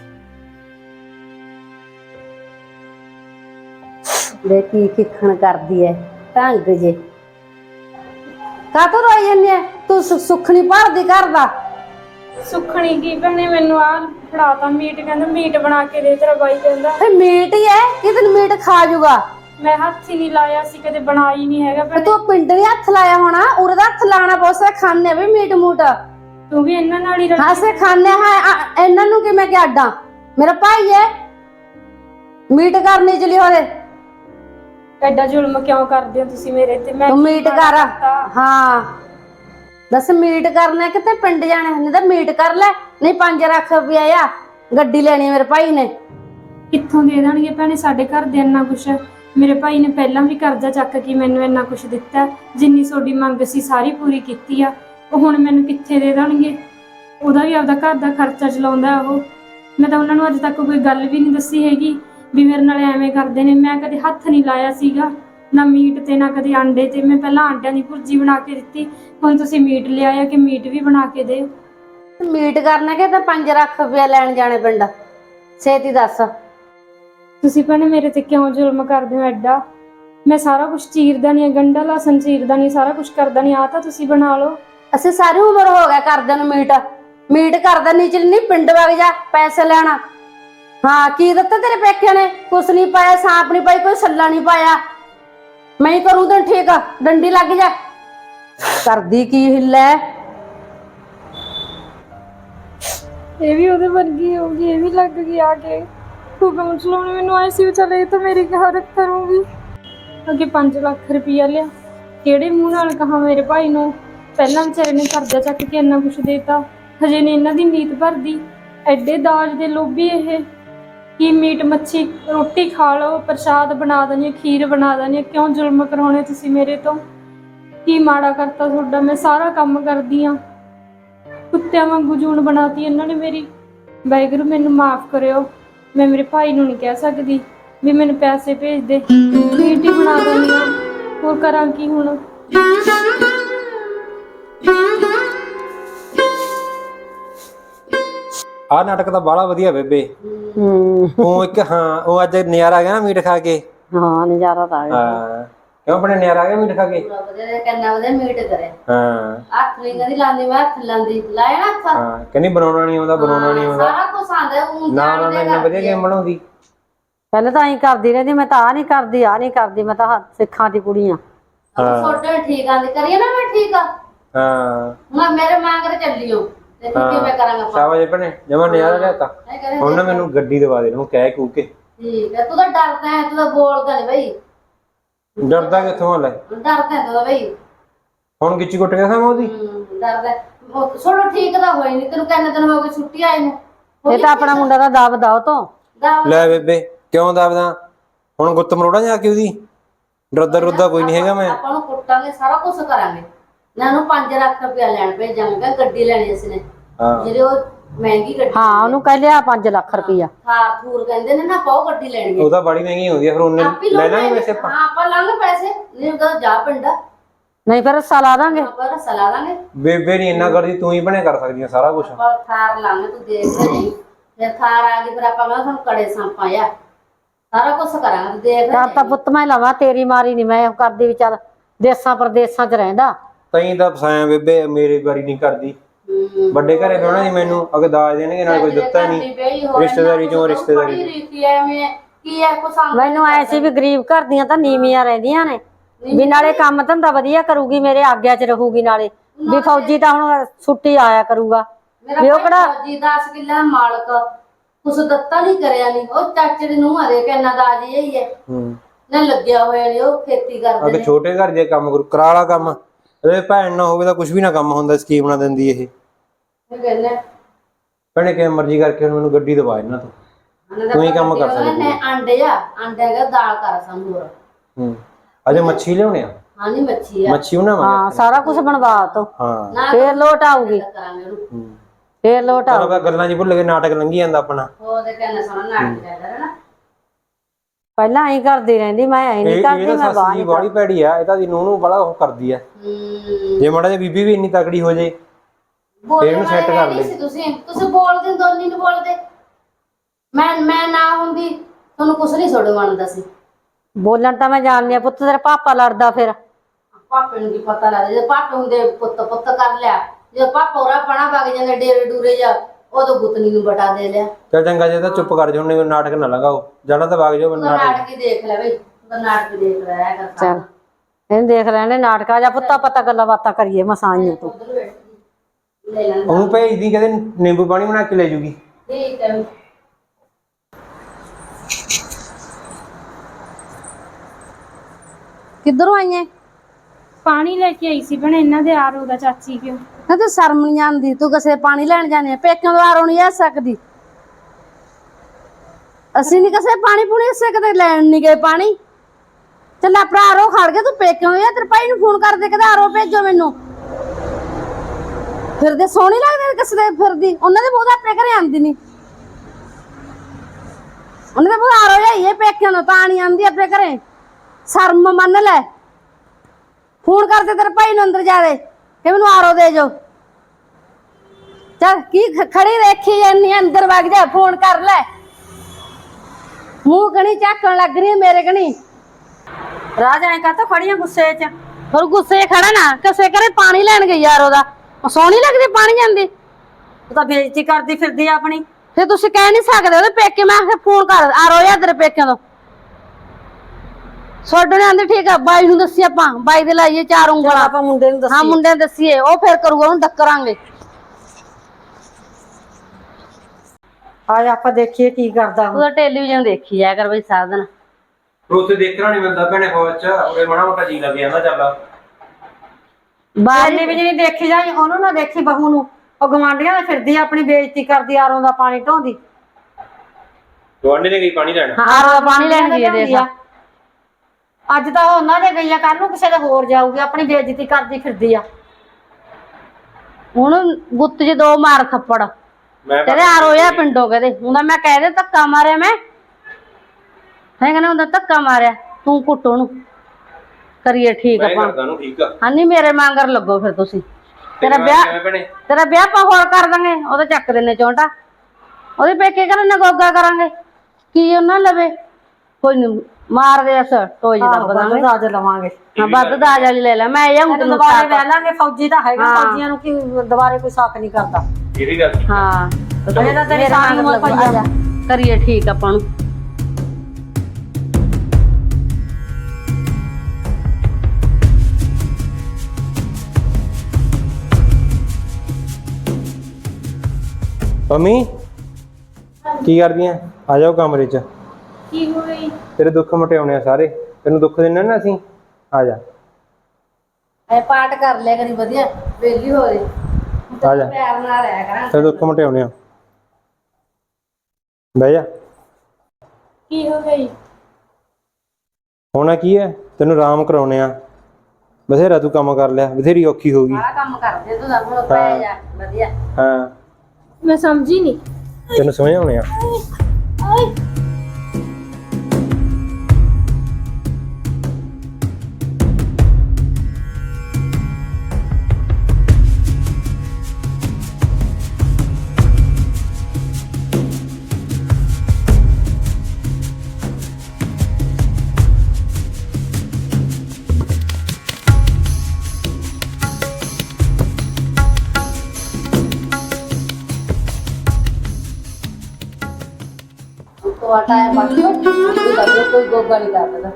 Speaker 4: ਦੇ ਕੀ ਕਿਖਣ ਕਰਦੀ ਐ ਢੰਗ ਜੇ। ਕਾਹਤੋਂ ਰੋਈ ਜਾਂਦੀ ਐ ਤੂੰ? ਸੁੱਖ ਨਹੀਂ ਭਰਦੀ ਘਰ ਦਾ।
Speaker 3: ਸੁੱਖਣੀ ਕੀ ਭੈਣੇ, ਮੈਨੂੰ ਆ ਫੜਾਤਾ ਮੀਟ, ਕਹਿੰਦਾ ਮੀਟ ਬਣਾ ਕੇ ਦੇ। ਤੇਰਾ ਬਾਈ ਕਹਿੰਦਾ
Speaker 4: ਫੇ ਮੀਟ ਹੀ ਐ, ਕਿਤੇ ਮੀਟ ਖਾ ਜੂਗਾ।
Speaker 3: ਮੈਂ ਹੱਥ ਹੀ ਨਹੀਂ ਲਾਇਆ ਸੀ, ਕਦੇ ਬਣਾਈ ਨਹੀਂ ਹੈਗਾ ਭੈਣੇ।
Speaker 4: ਤੂੰ ਪਿੰਡ ਵੀ ਹੱਥ ਲਾਇਆ ਹੋਣਾ, ਉਰੇ ਦਾ ਹੱਥ ਲਾਣਾ ਬਹੁਤ ਸਾਰੇ ਖਾਣੇ ਵੀ ਮੀਟ ਮੂਟ।
Speaker 3: ਤੂੰ ਵੀ ਇਹਨਾਂ ਨਾਲ ਹੀ
Speaker 4: ਹਾਂ ਸੇ ਖਾਣੇ ਹੈ, ਇਹਨਾਂ ਨੂੰ ਕਿਵੇਂ ਕਿ ਆਡਾਂ? ਮੇਰਾ ਭਾਈ ਐ, ਮੀਟ ਕਰਨੀ ਚਲੀ ਹੋਵੇ।
Speaker 3: ਐਡਾ ਜ਼ੁਲਮ ਕਿਉਂ ਕਰਦੇ ਹੋ ਤੁਸੀਂ ਮੇਰੇ ਤੇ? ਮੈਂ
Speaker 4: ਤੂੰ ਮੀਟ ਕਰ। ਹਾਂ ਦੱਸ, ਮੀਟ ਕਰਨਾ ਕਿਤੇ ਪਿੰਡ ਜਾਣਾ? ਨਹੀਂ ਤਾਂ ਮੀਟ ਕਰ ਲੈ, ਨਹੀਂ 5 ਲੱਖ ਰੁਪਇਆ ਆ ਗੱਡੀ ਲੈਣੀ ਮੇਰੇ ਭਾਈ ਨੇ।
Speaker 3: ਕਿੱਥੋਂ ਦੇ ਦੇਣਗੇ ਭੈਣੇ? ਸਾਡੇ ਘਰ ਦੇ ਇੰਨਾ ਕੁਛ। ਮੇਰੇ ਭਾਈ ਨੇ ਪਹਿਲਾਂ ਵੀ ਕਰਜ਼ਾ ਚੱਕ ਕੇ ਮੈਨੂੰ ਇੰਨਾ ਕੁਛ ਦਿੱਤਾ। ਜਿੰਨੀ ਤੁਹਾਡੀ ਮੰਗ ਸੀ ਸਾਰੀ ਪੂਰੀ ਕੀਤੀ ਆ। ਉਹ ਹੁਣ ਮੈਨੂੰ ਕਿੱਥੇ ਦੇ ਦੇਣਗੇ? ਉਹਦਾ ਵੀ ਆਪਦਾ ਘਰ ਦਾ ਖਰਚਾ ਚਲਾਉਂਦਾ ਉਹ। ਮੈਂ ਤਾਂ ਉਹਨਾਂ ਨੂੰ ਅੱਜ ਤੱਕ ਕੋਈ ਗੱਲ ਵੀ ਨਹੀਂ ਦੱਸੀ ਹੈਗੀ ਵੀ ਮੇਰੇ ਨਾਲ ਐਵੇਂ ਕਰਦੇ ਨੇ। ਮੈਂ ਕਦੇ ਹੱਥ ਨਹੀਂ ਲਾਇਆ ਸੀਗਾ, ਨਾ ਮੀਟ ਤੇ ਨਾ ਕਦੇ ਆਂਡੇ ਤੇ। ਮੈਂ ਪਹਿਲਾਂ ਆਂਡਿਆਂ ਦੀ ਭੁਰਜੀ ਬਣਾ ਕੇ ਦਿੱਤੀ, ਹੁਣ ਤੁਸੀਂ ਮੀਟ ਲਿਆਇਆ ਕਿ ਮੀਟ ਵੀ ਬਣਾ ਕੇ ਦੇ।
Speaker 4: ਮੀਟ ਕਰਨਾ ਕਿ ਤਾਂ 5 ਲੱਖ ਰੁਪਇਆ ਲੈਣ ਜਾਣੇ ਪਿੰਡ? ਛੇਤੀ ਦੱਸ।
Speaker 3: ਤੁਸੀਂ ਭੈਣੇ ਮੇਰੇ ਤੇ ਕਿਉਂ ਜ਼ੁਲਮ ਕਰਦੇ ਹੋ ਐਡਾ? ਮੈਂ ਸਾਰਾ ਕੁਝ ਚੀਰਦਾ ਨਹੀਂ, ਗੰਢਾ ਲਸਣ ਚੀਰਦਾ ਨਹੀਂ, ਸਾਰਾ ਕੁਝ ਕਰਦਾ ਨਹੀਂ। ਆ ਤਾਂ ਤੁਸੀਂ ਬਣਾ ਲਓ।
Speaker 4: ਅਸੀਂ ਸਾਰੀ ਉਮਰ ਹੋ ਗਿਆ ਕਰਦਿਆਂ ਨੂੰ ਮੀਟ। ਮੀਟ ਕਰਦਾ ਨੀਚੇ ਨਹੀਂ, ਪਿੰਡ ਵਗ ਜਾ ਪੈਸੇ ਲੈਣਾ। ਹਾਂ ਕੀ ਦਿੱਤਾ ਤੇਰੇ ਪੇਕਿਆਂ ਨੇ? ਕੁਛ ਨਹੀਂ ਪਾਇਆ, ਸਾਂਪ ਨਹੀਂ ਪਾਈ, ਕੋਈ ਸੱਲਾ ਨਹੀਂ ਪਾਇਆ। ਮੈਂ ਹੀ ਕਰੂੰ ਤਾਂ ਠੀਕ ਆ, ਡੰਡੀ ਲੱਗ ਜਾ। ਕਰਦੀ ਕੀ ਹਿੱਲਾ?
Speaker 3: ਇਹ ਵੀ ਉਹਦੇ ਵਰਗੀ ਹੋਊਗੀ, ਇਹ ਵੀ ਲੱਗ ਗਈ ਆ ਕੇ ਹੁਕਮ ਚਲਾਉਣ। ਮੈਨੂੰ ਆਏ ਸੀ ਚੱਲ ਇਹ ਤਾਂ ਮੇਰੀ ਹਰਕ ਕਰੂੰਗੀ। ਅੱਗੇ 5 ਲੱਖ ਰੁਪਇਆ ਲਿਆ, ਕਿਹੜੇ ਮੂੰਹ ਨਾਲ ਕਹਾਂ ਮੇਰੇ ਭਾਈ ਨੂੰ? ਪਹਿਲਾਂ ਵਿਚਾਰੇ ਨੇ ਕਰਜ਼ਾ ਚੱਕ ਕੇ ਇੰਨਾ ਕੁਛ ਦੇਤਾ, ਹਜੇ ਨੇ ਇਹਨਾਂ ਦੀ ਨੀਤ ਭਰਦੀ। ਐਡੇ ਦਾਜ ਦੇ ਲੋਭੀ ਇਹ। ਕੀ ਮੀਟ ਮੱਛੀ ਰੋਟੀ ਖਾ ਲਓ, ਪ੍ਰਸ਼ਾਦ ਬਣਾ ਦੇਣੀ, ਖੀਰ ਬਣਾ ਦੇਣੀ। ਕਿਉਂ ਜ਼ੁਲਮ ਕਰਾਉਣੇ ਤੁਸੀਂ ਮੇਰੇ ਤੋਂ? ਕੀ ਮਾੜਾ ਕਰਤਾ ਤੁਹਾਡਾ? ਮੈਂ ਸਾਰਾ ਕੰਮ ਕਰਦੀ ਆ, ਕੁੱਤਿਆਂ ਵਾਂਗੂ ਜੂਨ ਬਣਾਤੀ ਇਹਨਾਂ ਨੇ ਮੇਰੀ। ਵਾਹਿਗੁਰੂ ਮੈਨੂੰ ਮਾਫ ਕਰਿਓ। ਮੈਂ ਮੇਰੇ ਭਾਈ ਨੂੰ ਨਹੀਂ ਕਹਿ ਸਕਦੀ ਵੀ ਮੈਨੂੰ ਪੈਸੇ ਭੇਜ ਦੇ, ਮੀਟ ਹੀ ਬਣਾ ਦਿੰਦੀ ਆ। ਹੋਰ ਕਰਾਂ ਕੀ ਹੁਣ?
Speaker 1: ਆਹ ਨਾਟਕ ਤਾਂ ਬਾਹਲਾ ਵਧੀਆ ਬੇਬੇ। ਉਹ ਇੱਕ ਹਾਂ ਉਹ ਅੱਜ ਨਜ਼ਾਰਾ ਆ ਗਿਆ ਨਾ ਮੀਟ ਖਾ ਕੇ।
Speaker 2: ਹਾਂ ਨਜ਼ਾਰਾ ਤਾਂ ਆ ਗਿਆ।
Speaker 1: ਹਾਂ ਕਿਉਂ ਆਪਣੇ ਨਜ਼ਾਰਾ ਆ ਗਿਆ ਮੀਟ ਖਾ ਕੇ।
Speaker 4: ਪੂਰਾ ਵਧੀਆ ਕੰਨਾ ਵਧੀਆ ਮੀਟ ਕਰੇ।
Speaker 1: ਹਾਂ
Speaker 4: ਹੱਥ ਨਹੀਂ ਕਦੀ ਲਾਉਂਦੀ, ਮੈਂ ਹੱਥ ਲਾਉਂਦੀ ਲਾਇਆ ਨਾ ਹੱਥ।
Speaker 1: ਹਾਂ ਕਹਿੰਦੀ ਬਣਾਉਣਾ ਨਹੀਂ ਆਉਂਦਾ, ਬਣਾਉਣਾ ਨਹੀਂ ਆਉਂਦਾ।
Speaker 4: ਸਾਰਾ ਕੁਝ ਆਂਦਾ ਉਹ
Speaker 1: ਨਾ ਨਾ ਨਾ ਇੰਨਾ ਵਧੀਆ ਗੇਮ ਬਣਾਉਂਦੀ।
Speaker 2: ਪਹਿਲੇ ਤਾਂ ਐਂ ਕਰਦੀ ਰਹਿੰਦੀ, ਮੈਂ ਤਾਂ ਆ ਨਹੀਂ ਕਰਦੀ, ਆ ਨਹੀਂ ਕਰਦੀ, ਮੈਂ ਤਾਂ ਸਿੱਖਾਂ ਦੀ ਕੁੜੀ ਆ।
Speaker 4: ਛੋਟੇ ਠੀਕ ਆਂਦੀ ਕਰੀਏ ਨਾ, ਮੈਂ ਠੀਕ ਆ।
Speaker 1: ਹਾਂ
Speaker 4: ਮੈਂ ਮੇਰੇ ਮੰਗ ਚੱਲੀਓ ਤੇ ਕਿਵੇਂ ਕਰਾਂਗਾ?
Speaker 1: ਸ਼ਾਬਾਸ਼ ਭੈਣੇ, ਜਮਾ ਨਜ਼ਾਰਾ ਲਿਆਤਾ।
Speaker 4: ਨਹੀਂ ਕਰੇ
Speaker 1: ਹੁਣ ਨਾ ਮੈਨੂੰ ਗੱਡੀ ਦਵਾ ਦੇ, ਨੂੰ ਕਹਿ ਕੂ ਕੇ।
Speaker 4: ਠੀਕ ਹੈ, ਤੂੰ ਤਾਂ ਡਰਦਾ ਹੈ, ਤੂੰ ਤਾਂ ਬੋਲਦਾ ਨਹੀਂ ਬਈ।
Speaker 1: ਡਰਦਾ ਕਿੱਥੋਂ ਆ ਲੈ,
Speaker 4: ਡਰਦਾ ਹੈ ਤੂੰ ਤਾਂ ਬਈ।
Speaker 1: ਹੁਣ ਗਿੱਚੀ ਕੁੱਟ ਗਿਆ ਸਾਂ ਉਹਦੀ।
Speaker 4: ਡਰਦਾ ਛੋੜੋ, ਠੀਕ ਤਾਂ ਹੋਈ ਨਹੀਂ, ਤੈਨੂੰ ਕਿੰਨੇ ਦਿਨ ਹੋ ਗਏ ਛੁੱਟੀ ਆਏ ਨੂੰ।
Speaker 2: ਇਹ ਤਾਂ ਆਪਣਾ ਮੁੰਡਾ ਦਾ ਦਾਬ ਦਾਓ ਤੋਂ।
Speaker 1: ਲੈ ਬੇਬੇ ਕਿਉਂ ਦਬਦਾ? ਹੁਣ ਗੁੱਤ ਮਰੋੜਾ ਜਾ ਕੇ ਉਹਦੀ। ਡਰਦਾ ਰੁੱਦਾ ਕੋਈ ਨਹੀਂ ਹੈਗਾ ਮੈਂ।
Speaker 4: ਆਪਾਂ ਨੂੰ ਕੁੱਟਾਂਗੇ, ਸਾਰਾ ਕੁਝ ਕਰਾਂਗੇ ਨਾ। ਉਹਨੂੰ 5 ਲੱਖ ਰੁਪਇਆ ਲੈਣ ਭੇਜਾਂਗੇ, ਗੱਡੀ ਲੈਣੀ ਅਸੀਂ ਨੇ। ਜਿਹੜੇ ਉਹ ਮਹਿੰਗੀ ਗੱਡੀ।
Speaker 2: ਹਾਂ ਉਹਨੂੰ ਕਹਿ ਲਿਆ 5 ਲੱਖ ਰੁਪਇਆ।
Speaker 4: ਥਾਰ ਥੂਰ ਕਹਿੰਦੇ ਨੇ ਨਾ, ਪਾਓ ਗੱਡੀ ਲੈਣੀ ਹੈ।
Speaker 1: ਉਹ ਤਾਂ ਬੜੀ ਮਹਿੰਗੀ ਹੁੰਦੀ ਆ, ਫਿਰ ਉਹਨੇ ਲੈ ਲਾਂਗੇ ਵੈਸੇ ਆਪਾਂ।
Speaker 4: ਹਾਂ ਆਪਾਂ ਲਾਂਗੇ ਪੈਸੇ, ਨਹੀਂ ਤਾਂ ਜਾ ਪਿੰਡਾ
Speaker 2: ਨਹੀਂ ਫਿਰ ਰਸਾ ਲਾ ਦਾਂਗੇ।
Speaker 4: ਆਪਾਂ ਰਸਾ ਲਾ ਦਾਂਗੇ।
Speaker 1: ਬੇਬੇ ਨਹੀਂ ਇੰਨਾ ਕਰਦੀ, ਤੂੰ ਹੀ ਬਣੇ ਕਰ ਸਕਦੀ ਆ ਸਾਰਾ ਕੁਝ।
Speaker 4: ਆਪਾਂ ਥਾਰ ਲਾਂਗੇ, ਤੂੰ ਦੇਖ ਲੈ। ਜੇ ਥਾਰ ਆ ਗਈ ਫਿਰ ਆਪਾਂ ਕਹਿੰਦਾ ਤੁਹਾਨੂੰ ਕੜੇ ਸੰਪਾਂ ਆ, ਸਾਰਾ ਕੁਝ ਕਰਾਂਗੇ, ਤੂੰ ਦੇਖ
Speaker 2: ਤਾਂ ਤਾਂ ਪੁੱਤ ਮੈਂ ਲਵਾਂ, ਤੇਰੀ ਮਾਰੀ ਨਹੀਂ ਮੈਂ ਕਰਦੀ। ਵੀ ਚੱਲ ਦੇਸਾਂ ਪ੍ਰਦੇਸਾਂ 'ਚ ਰਹਿੰਦਾ।
Speaker 1: ਤਈ ਤਾਂ ਫਸਾਇਆ ਬੇਬੇ, ਮੇਰੀ ਵਾਰੀ ਨਹੀਂ ਕਰਦੀ। ਵੱਡੇ ਘਰੇ ਵਿਆਹਣਾ ਸੀ ਮੈਨੂੰ, ਅਗੇ ਦਾਜ ਦੇਣਗੇ ਨਾਲ ਕੋਈ ਦਿੱਤਾ ਨਹੀਂ। ਰਿਸ਼ਤੇਦਾਰੀ ਚੋਂ ਰਿਸ਼ਤੇਦਾਰੀ
Speaker 4: ਕੀ ਹੈ ਕੁਛ
Speaker 2: ਮੈਨੂੰ ਐ ਸੀ ਵੀ ਗਰੀਬ ਘਰ ਦੀਆਂ ਤਾਂ ਨੀਵੀਆਂ ਰਹਿੰਦੀਆਂ ਨੇ, ਵੀ ਨਾਲੇ ਕੰਮ ਧੰਦਾ ਵਧੀਆ ਕਰੂਗੀ, ਮੇਰੇ ਆਗਿਆ 'ਚ ਰਹੂਗੀ। ਨਾਲੇ ਵੀ ਫੌਜੀ ਤਾਂ ਹੁਣ ਛੁੱਟੀ ਆਇਆ ਕਰੂਗਾ। ਵੀ ਉਹ ਕਿਹੜਾ
Speaker 4: ਫੌਜੀ 10 ਕਿੱਲੇ ਦਾ ਮਾਲਕ, ਕੁਛ ਦਿੱਤਾ ਨਹੀਂ ਕਰਿਆ ਨਹੀਂ। ਉਹ ਚਾਚੇ ਦੀ ਨੂੰਹ ਆ ਦੇ ਕਿੰਨਾ ਦਾਜ ਹੀ ਹੈ ਨਾ ਲੱਗਿਆ ਹੋਇਆ ਨੇ, ਉਹ ਖੇਤੀ ਕਰਦੇ
Speaker 1: ਅਗੇ
Speaker 4: ਨੇ।
Speaker 1: ਛੋਟੇ ਘਰ ਜੇ ਕੰਮ ਕਰੂ ਕਰਾ ਲਾ ਕੰਮ। ਇਹ ਭੈਣ ਨਾ ਹੋਵੇ ਤਾਂ ਕੁਝ ਵੀ ਨਾ ਕੰਮ ਹੁੰਦਾ। ਸਕੀਮ ਬਣਾ ਦਿੰਦੀ ਇਹ।
Speaker 4: ਉਹ ਕਹਿੰਦੇ
Speaker 1: ਭੈਣੇ ਕਿਵੇਂ ਮਰਜ਼ੀ ਕਰਕੇ ਹੁਣ ਮੈਨੂੰ ਗੱਡੀ ਦਵਾ ਇਹਨਾਂ ਤੋਂ। ਤੂੰ ਹੀ ਕੰਮ ਕਰ ਸਕਦੀ
Speaker 4: ਨੇ। ਆਂਡੇ ਹੈਗਾ, ਦਾਲ ਕਰ ਸਾਨੂੰ ਹੋਰ।
Speaker 1: ਅਜੇ ਮੱਛੀ ਲਿਆਉਣੇ ਆ।
Speaker 4: ਹਾਂ ਨਹੀਂ ਮੱਛੀ ਆ,
Speaker 1: ਮੱਛੀ ਉਹਨਾਂ ਵਾਂ।
Speaker 2: ਹਾਂ ਸਾਰਾ ਕੁਝ ਬਣਵਾ ਤੋ,
Speaker 1: ਹਾਂ
Speaker 2: ਫੇਰ ਲੋਟ ਆਊਗੀ,
Speaker 4: ਕਰਾਂਗੇ ਉਹਨੂੰ।
Speaker 2: ਫੇਰ ਲੋਟ ਆਊ।
Speaker 1: ਚਲੋ ਗੱਲਾਂ 'ਚ ਭੁੱਲ ਕੇ ਨਾਟਕ ਲੰਘੀ ਜਾਂਦਾ ਆਪਣਾ।
Speaker 4: ਉਹਦੇ ਕਹਿੰਦੇ ਸੋਣਾ ਨਾਟਕ ਕਰਦਾ ਹੈ ਨਾ।
Speaker 2: ਪਹਿਲਾਂ ਐਂ ਕਰਦੀ ਰਹਿੰਦੀ, ਮੈਂ ਐਂ ਨਹੀਂ ਕਰਦੀ, ਮੈਂ ਬਾਹਰ
Speaker 1: ਸੱਸ ਜੀ ਬੜੀ ਭੈੜੀ ਆ। ਇਹ ਤਾਂ ਦੀ ਨੂੰਹ ਨੂੰ ਬੜਾ ਉਹ ਕਰਦੀ ਆ। ਜੇ ਮਾੜਾ ਜਿਹਾ ਬੀਬੀ ਵੀ ਇੰਨੀ ਤਕੜੀ ਹੋ ਜੇ ਫੇਰ ਇਹਨੂੰ ਸੈੱਟ ਕਰ ਲੈ।
Speaker 4: ਤੁਸੀਂ ਬੋਲਦੇ ਦੋਨੀ ਨੂੰ ਬੋਲਦੇ। ਮੈਂ ਨਾ ਹੁੰਦੀ ਤੁਹਾਨੂੰ ਕੁਛ ਨਹੀਂ ਛੋੜ ਬਣਦਾ ਸੀ।
Speaker 2: ਬੋਲਣ ਤਾਂ ਮੈਂ ਜਾਣਦੀ ਆ ਪੁੱਤ, ਤੇਰਾ ਪਾਪਾ ਲੜਦਾ ਫਿਰ।
Speaker 4: ਪਾਪੇ ਨੂੰ ਕੀ ਪਤਾ ਲੱਗਦਾ? ਜੇ ਪਾਪੇ ਹੁੰਦੇ ਪੁੱਤ ਪੁੱਤ ਕਰ ਲਿਆ, ਜੇ ਪਾਪਾ ਹੋਰਾ ਪਣਾ ਵਗ ਜਾਂਦੇ ਡੇਰੇ ਡੂਰੇ ਜਾ, ਉਦੋਂ ਗੁੱਤਨੀ ਨੂੰ ਬਟਾ ਦੇ ਲਿਆ।
Speaker 1: ਚੱਲ ਚੰਗਾ, ਜੇ ਤਾਂ ਚੁੱਪ ਕਰ ਜਾਓ, ਨਹੀਂ ਨਾਟਕ ਨਾ ਲਗਾਓ। ਜਾਣਾ ਤਾਂ ਵਗ ਜਾਓ। ਮੈਨੂੰ
Speaker 4: ਨਾਟਕ ਹੀ ਦੇਖ ਲੈ ਬਈ, ਤੂੰ ਨਾਟਕ ਹੀ ਦੇਖ ਲੈ ਕਰ।
Speaker 2: ਚੱਲ ਇਹਨੂੰ ਦੇਖ ਲੈਣੇ ਨਾਟਕਾ ਜਾ ਪੁੱਤਾ, ਪਤਾ ਗੱਲਾਂ ਬਾਤਾਂ ਕਰੀਏ ਮਸਾਂ ਆਈਆਂ ਤੂੰ।
Speaker 4: ਲੈ ਲੈਂਦਾ।
Speaker 1: ਉਹਨੂੰ ਭੇਜਦੀ, ਕਹਿੰਦੇ ਨਿੰਬੂ ਪਾਣੀ ਬਣਾ ਕੇ ਲੈ ਜੂਗੀ।
Speaker 4: ਠੀਕ ਹੈ।
Speaker 5: ਕਿੱਧਰੋਂ ਆਈਏ?
Speaker 3: ਪਾਣੀ ਲੈ ਕੇ ਆਈ ਸੀ ਭੈਣੇ, ਇਹਨਾਂ ਦੇ ਆਰੋ ਦਾ। ਚਾਚੀ ਕਿਉਂ?
Speaker 5: ਨਾ ਤੂੰ ਸ਼ਰਮ ਨਹੀਂ ਆਉਂਦੀ? ਤੂੰ ਕਿਸੇ ਪਾਣੀ ਲੈਣ ਜਾਣੀ ਆ? ਪੇਕਿਆਂ ਤੋਂ ਆਰੋ ਨਹੀਂ ਆ ਸਕਦੀ। ਅਸੀਂ ਨਹੀਂ ਕਿਸੇ ਪਾਣੀ ਪੂਣੀ ਇਸੇ ਕਦੇ ਲੈਣ ਨਹੀਂ ਗਏ ਪਾਣੀ। ਚੱਲ ਆਪਣਾ ਆਰੋ ਖੜ ਗਿਆ, ਤੂੰ ਪੇਕਿਆਂ ਆ। ਤੇਰੇ ਭਾਈ ਨੂੰ ਫੋਨ ਕਰ ਦੇ, ਕਹਿੰਦਾ ਆਰੋ ਭੇਜੋ ਮੈਨੂੰ। ਫਿਰਦੇ ਸੋਹਣੀ ਲੱਗਦੀ ਕਿਸੇ ਦੇ ਫਿਰਦੀ। ਉਹਨਾਂ ਦੇ ਬਹੁਤ ਆਪਣੇ ਘਰੇ ਆਉਂਦੀ ਨਹੀਂ। ਉਹਨਾਂ ਦੇ ਬਹੁਤ ਆਰੋ ਜਾਈਏ ਪੇਕਿਆਂ ਨੂੰ, ਤਾਂ ਨਹੀਂ ਆਉਂਦੀ ਆਪਣੇ ਘਰੇ। ਸ਼ਰਮ ਮੰਨ ਲੈ। ਫੋਨ ਕਰਦੇ ਤੇਰੇ ਭਾਈ ਨੂੰ ਅੰਦਰ ਜਾ ਦੇ ਕਿ ਮੈਨੂੰ ਆਰੋ ਦੇ ਜੋ। ਚੱਲ ਕੀ ਖੜੀ ਦੇਖੀ ਜਾਨੀ, ਅੰਦਰ ਵਗ ਜਾ, ਫੋਨ ਕਰ ਲੈ। ਮੂੰਹ ਕਣੀ ਝਾਕਣ ਲੱਗ ਰਹੀ ਹੈ ਮੇਰੇ ਕਣੀ।
Speaker 2: ਰਾਜ ਐਂ ਕਾ ਤਾਂ ਖੜੀਆਂ ਗੁੱਸੇ 'ਚ।
Speaker 5: ਹੋਰ ਗੁੱਸੇ ਖੜਾ ਨਾ, ਕਿਸੇ ਘਰੇ ਪਾਣੀ ਲੈਣ ਗਈ ਯਾਰ ਉਹਦਾ। ਉਹ ਸੋਹਣੀ ਲੱਗਦੀ ਪਾਣੀ ਜਾਂਦੀ।
Speaker 2: ਤੂੰ ਤਾਂ ਬੇਇੱਜ਼ਤੀ ਕਰਦੀ ਫਿਰਦੀ ਆ ਆਪਣੀ।
Speaker 5: ਫਿਰ ਤੁਸੀਂ ਕਹਿ ਨਹੀਂ ਸਕਦੇ ਉਹਦੇ ਪੇਕੇ। ਮੈਂ ਆਖਿਆ ਫੋਨ ਕਰ, ਆਰੋ ਜਾ ਤੇਰੇ ਪੇਕਿਆਂ ਤੋਂ। ਛੋਡਣੇ ਆਂਦੇ ਠੀਕ ਆ। ਬਾਈ ਨੂੰ ਦੱਸੀ ਆਪਾਂ, ਬਾਈ ਦੇ ਲਾਈਏ 4 ਉਂਗਲਾਂ।
Speaker 2: ਆਪਾਂ ਮੁੰਡੇ ਨੂੰ
Speaker 5: ਹਾਂ
Speaker 2: ਦੱਸੀ।
Speaker 5: ਮੁੰਡੇ ਨੂੰ ਦੱਸੀਏ, ਉਹ ਫਿਰ ਕਰੂਗਾ, ਉਹਨੂੰ ਡੱਕਰਾਂਗੇ।
Speaker 2: ਆ ਜਾ ਆਪਾਂ ਦੇਖੀਏ ਕੀ ਕਰਦਾ
Speaker 5: ਤੂੰ ਤਾਂ ਟੈਲੀਵਿਜ਼ਨ ਦੇਖੀ ਜਾਇਆ ਕਰ ਬਈ ਸਾਰਾ ਦਿਨ।
Speaker 1: ਉੱਥੇ ਦੇਖਣਾ ਨਹੀਂ ਮਿਲਦਾ ਭੈਣੇ ਫੌਜ 'ਚ। ਉਹਦੇ ਮਾੜਾ ਮੋਟਾ ਜੀ ਲੱਗ ਜਾਂਦਾ। ਚੱਲ
Speaker 2: ਬਾਹਰਲੀ ਵੀ ਨਹੀਂ ਦੇਖੀ ਜਾਈ, ਉਹਨੂੰ ਨਾ ਦੇਖੀ ਬਹੂ ਨੂੰ। ਉਹ ਗਵਾਂਢੀਆਂ ਨਾਲ ਫਿਰਦੀ ਆ, ਆਪਣੀ ਬੇਇੱਜ਼ਤੀ ਕਰਦੀ, ਆਰੋਂ ਦਾ ਪਾਣੀ ਢੋਂਦੀ।
Speaker 1: ਗਵਾਂਢੀ ਨੇ ਕੀ ਪਾਣੀ ਲੈਣਾ?
Speaker 5: ਆਰੋ ਦਾ ਪਾਣੀ ਲੈਣ ਗਈ ਦੇਖ।
Speaker 2: ਅੱਜ ਤਾਂ ਉਹ ਉਹਨਾਂ ਦੇ ਗਈ ਆ, ਕੱਲ ਨੂੰ ਕਿਸੇ ਦੇ ਹੋਰ ਜਾਊਗੀ। ਆਪਣੀ ਬੇਇੱਜ਼ਤੀ ਕਰਦੀ ਫਿਰਦੀ ਆ।
Speaker 5: ਹੁਣ ਗੁੱਤ 'ਚ 2 ਮਾਰ ਥੱਪੜ।
Speaker 1: ਮੈਂ
Speaker 5: ਤੇਰੇ ਆਰੋ ਆ ਪਿੰਡੋਂ ਕਹਦੇ ਹੁੰਦਾ। ਮੈਂ ਕਹਿ ਦੇ ਧੱਕਾ ਮਾਰਿਆ ਮੈਂ। ਹੈ ਕਹਿੰਦਾ ਹੁੰਦਾ ਧੱਕਾ ਮਾਰਿਆ ਤੂੰ ਕੁੱਟ ਉਹਨੂੰ ਕਰੀਏ ਠੀਕ
Speaker 1: ਮੈਂ
Speaker 5: ਆਪਾਂ
Speaker 1: ਕਰਦਾ ਨੂੰ ਠੀਕ ਆ।
Speaker 5: ਹਾਂਜੀ ਮੇਰੇ ਮੰਗਰ ਲੱਗੋ ਫਿਰ ਤੁਸੀਂ ਤੇਰਾ
Speaker 1: ਕਿਵੇਂ
Speaker 5: ਵਿਆਹ
Speaker 1: ਭੈਣੇ?
Speaker 5: ਤੇਰਾ ਵਿਆਹ ਆਪਾਂ ਹੋਰ ਕਰ ਦਾਂਗੇ ਉਹਦਾ ਚੱਕ ਦਿੰਨੇ ਚੌਂਟਾ ਉਹਦੇ ਪੇਕੇ ਕਰਨ ਨਗੋਗਾ ਕਰਾਂਗੇ ਕੀ ਉਹਨਾਂ ਲਵੇ ਕੋਈ ਨੀ ਮਾਰਦੇ ਅਸ ਟੋਈ ਦਾ ਬਦਾਂਗੇ
Speaker 2: ਦਾਜ ਲਵਾਂਗੇ
Speaker 5: ਹਾਂ ਵੱਧ ਦਾਜ ਵਾਲੀ ਲੈ ਲੈ ਮੈਂ ਜਾਊਂ ਤੈਨੂੰ
Speaker 2: ਦੁਬਾਰੇ ਲੈ ਲਾਂਗੇ ਫੌਜੀ ਤਾਂ ਹੈਗਾ
Speaker 5: ਹਾਂ।
Speaker 2: ਫੌਜੀਆਂ ਨੂੰ ਕੀ ਦੁਬਾਰੇ ਕੋਈ ਸਾਕ ਨਹੀਂ ਕਰਦਾ
Speaker 1: ਇਹਦੀ ਗੱਲ
Speaker 5: ਹਾਂ
Speaker 2: ਅਜੇ ਤਾਂ ਤੇਰੀ
Speaker 5: ਮੇਰੇ
Speaker 2: ਸਾਰੀ
Speaker 5: ਮਗਰ
Speaker 2: ਉਮਰ
Speaker 5: ਲੱਗੋ,
Speaker 2: ਪਈ
Speaker 5: ਆ ਜਾ, ਕਰੀਏ ਠੀਕ ਆਪਾਂ ਨੂੰ
Speaker 1: ਮੰਮੀ ਕੀ ਕਰਦੀਆਂ? ਆ ਜਾਓ ਕਮਰੇ 'ਚ।
Speaker 3: ਕੀ ਹੋ ਗਈ?
Speaker 1: ਤੇਰੇ ਦੁੱਖ ਮਟਿਆਉਣੇ ਆ ਸਾਰੇ। ਤੈਨੂੰ ਦੁੱਖ ਦਿੰਨੇ ਨਾ ਅਸੀਂ। ਆ ਜਾ
Speaker 5: ਐ ਪਾਠ ਕਰ ਲਿਆ ਕਰੀ ਵਧੀਆ ਵੇਲੀ ਹੋ ਰਹੀ
Speaker 1: ਆ ਜਾ,
Speaker 5: ਪਿਆਰ ਨਾਲ ਰਹਿ ਕਰਾਂ
Speaker 1: ਤੇਰੇ ਦੁੱਖ ਮਟਿਆਉਣੇ ਆ। ਬਹਿ ਜਾ।
Speaker 3: ਕੀ ਹੋ ਗਈ?
Speaker 1: ਹੋਣਾ ਕੀ ਹੈ? ਤੈਨੂੰ ਆਰਾਮ ਕਰਾਉਣੇ ਆ। ਬਥੇਰਾ ਤੂੰ ਕੰਮ ਕਰ ਲਿਆ, ਬਥੇਰੀ ਔਖੀ ਹੋ ਗਈ।
Speaker 5: ਸਾਰਾ ਕੰਮ ਕਰਦੇ ਤੂੰ ਤਾਂ ਪੈ ਜਾ ਵਧੀਆ
Speaker 1: ਹਾਂ
Speaker 3: ਮੈਂ ਸਮਝੀ ਨਹੀਂ।
Speaker 1: ਤੈਨੂੰ ਸਮਝਾਉਣੇ ਆ।
Speaker 5: तो आटा है बाकी कोई गोगा नहीं करता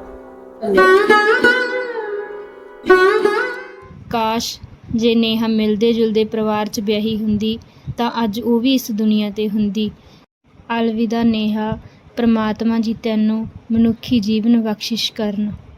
Speaker 6: ਕਾਸ਼ ਜੇ ਨੇਹਾ ਮਿਲਦੇ ਜੁਲਦੇ ਪਰਿਵਾਰ 'ਚ ਵਿਆਹੀ ਹੁੰਦੀ ਤਾਂ ਅੱਜ ਉਹ ਵੀ ਇਸ ਦੁਨੀਆ ਤੇ ਹੁੰਦੀ। ਅਲਵਿਦਾ ਨੇਹਾ, ਪ੍ਰਮਾਤਮਾ ਜੀ ਤੈਨੂੰ ਮਨੁੱਖੀ ਜੀਵਨ ਬਖਸ਼ਿਸ਼ ਕਰਨ।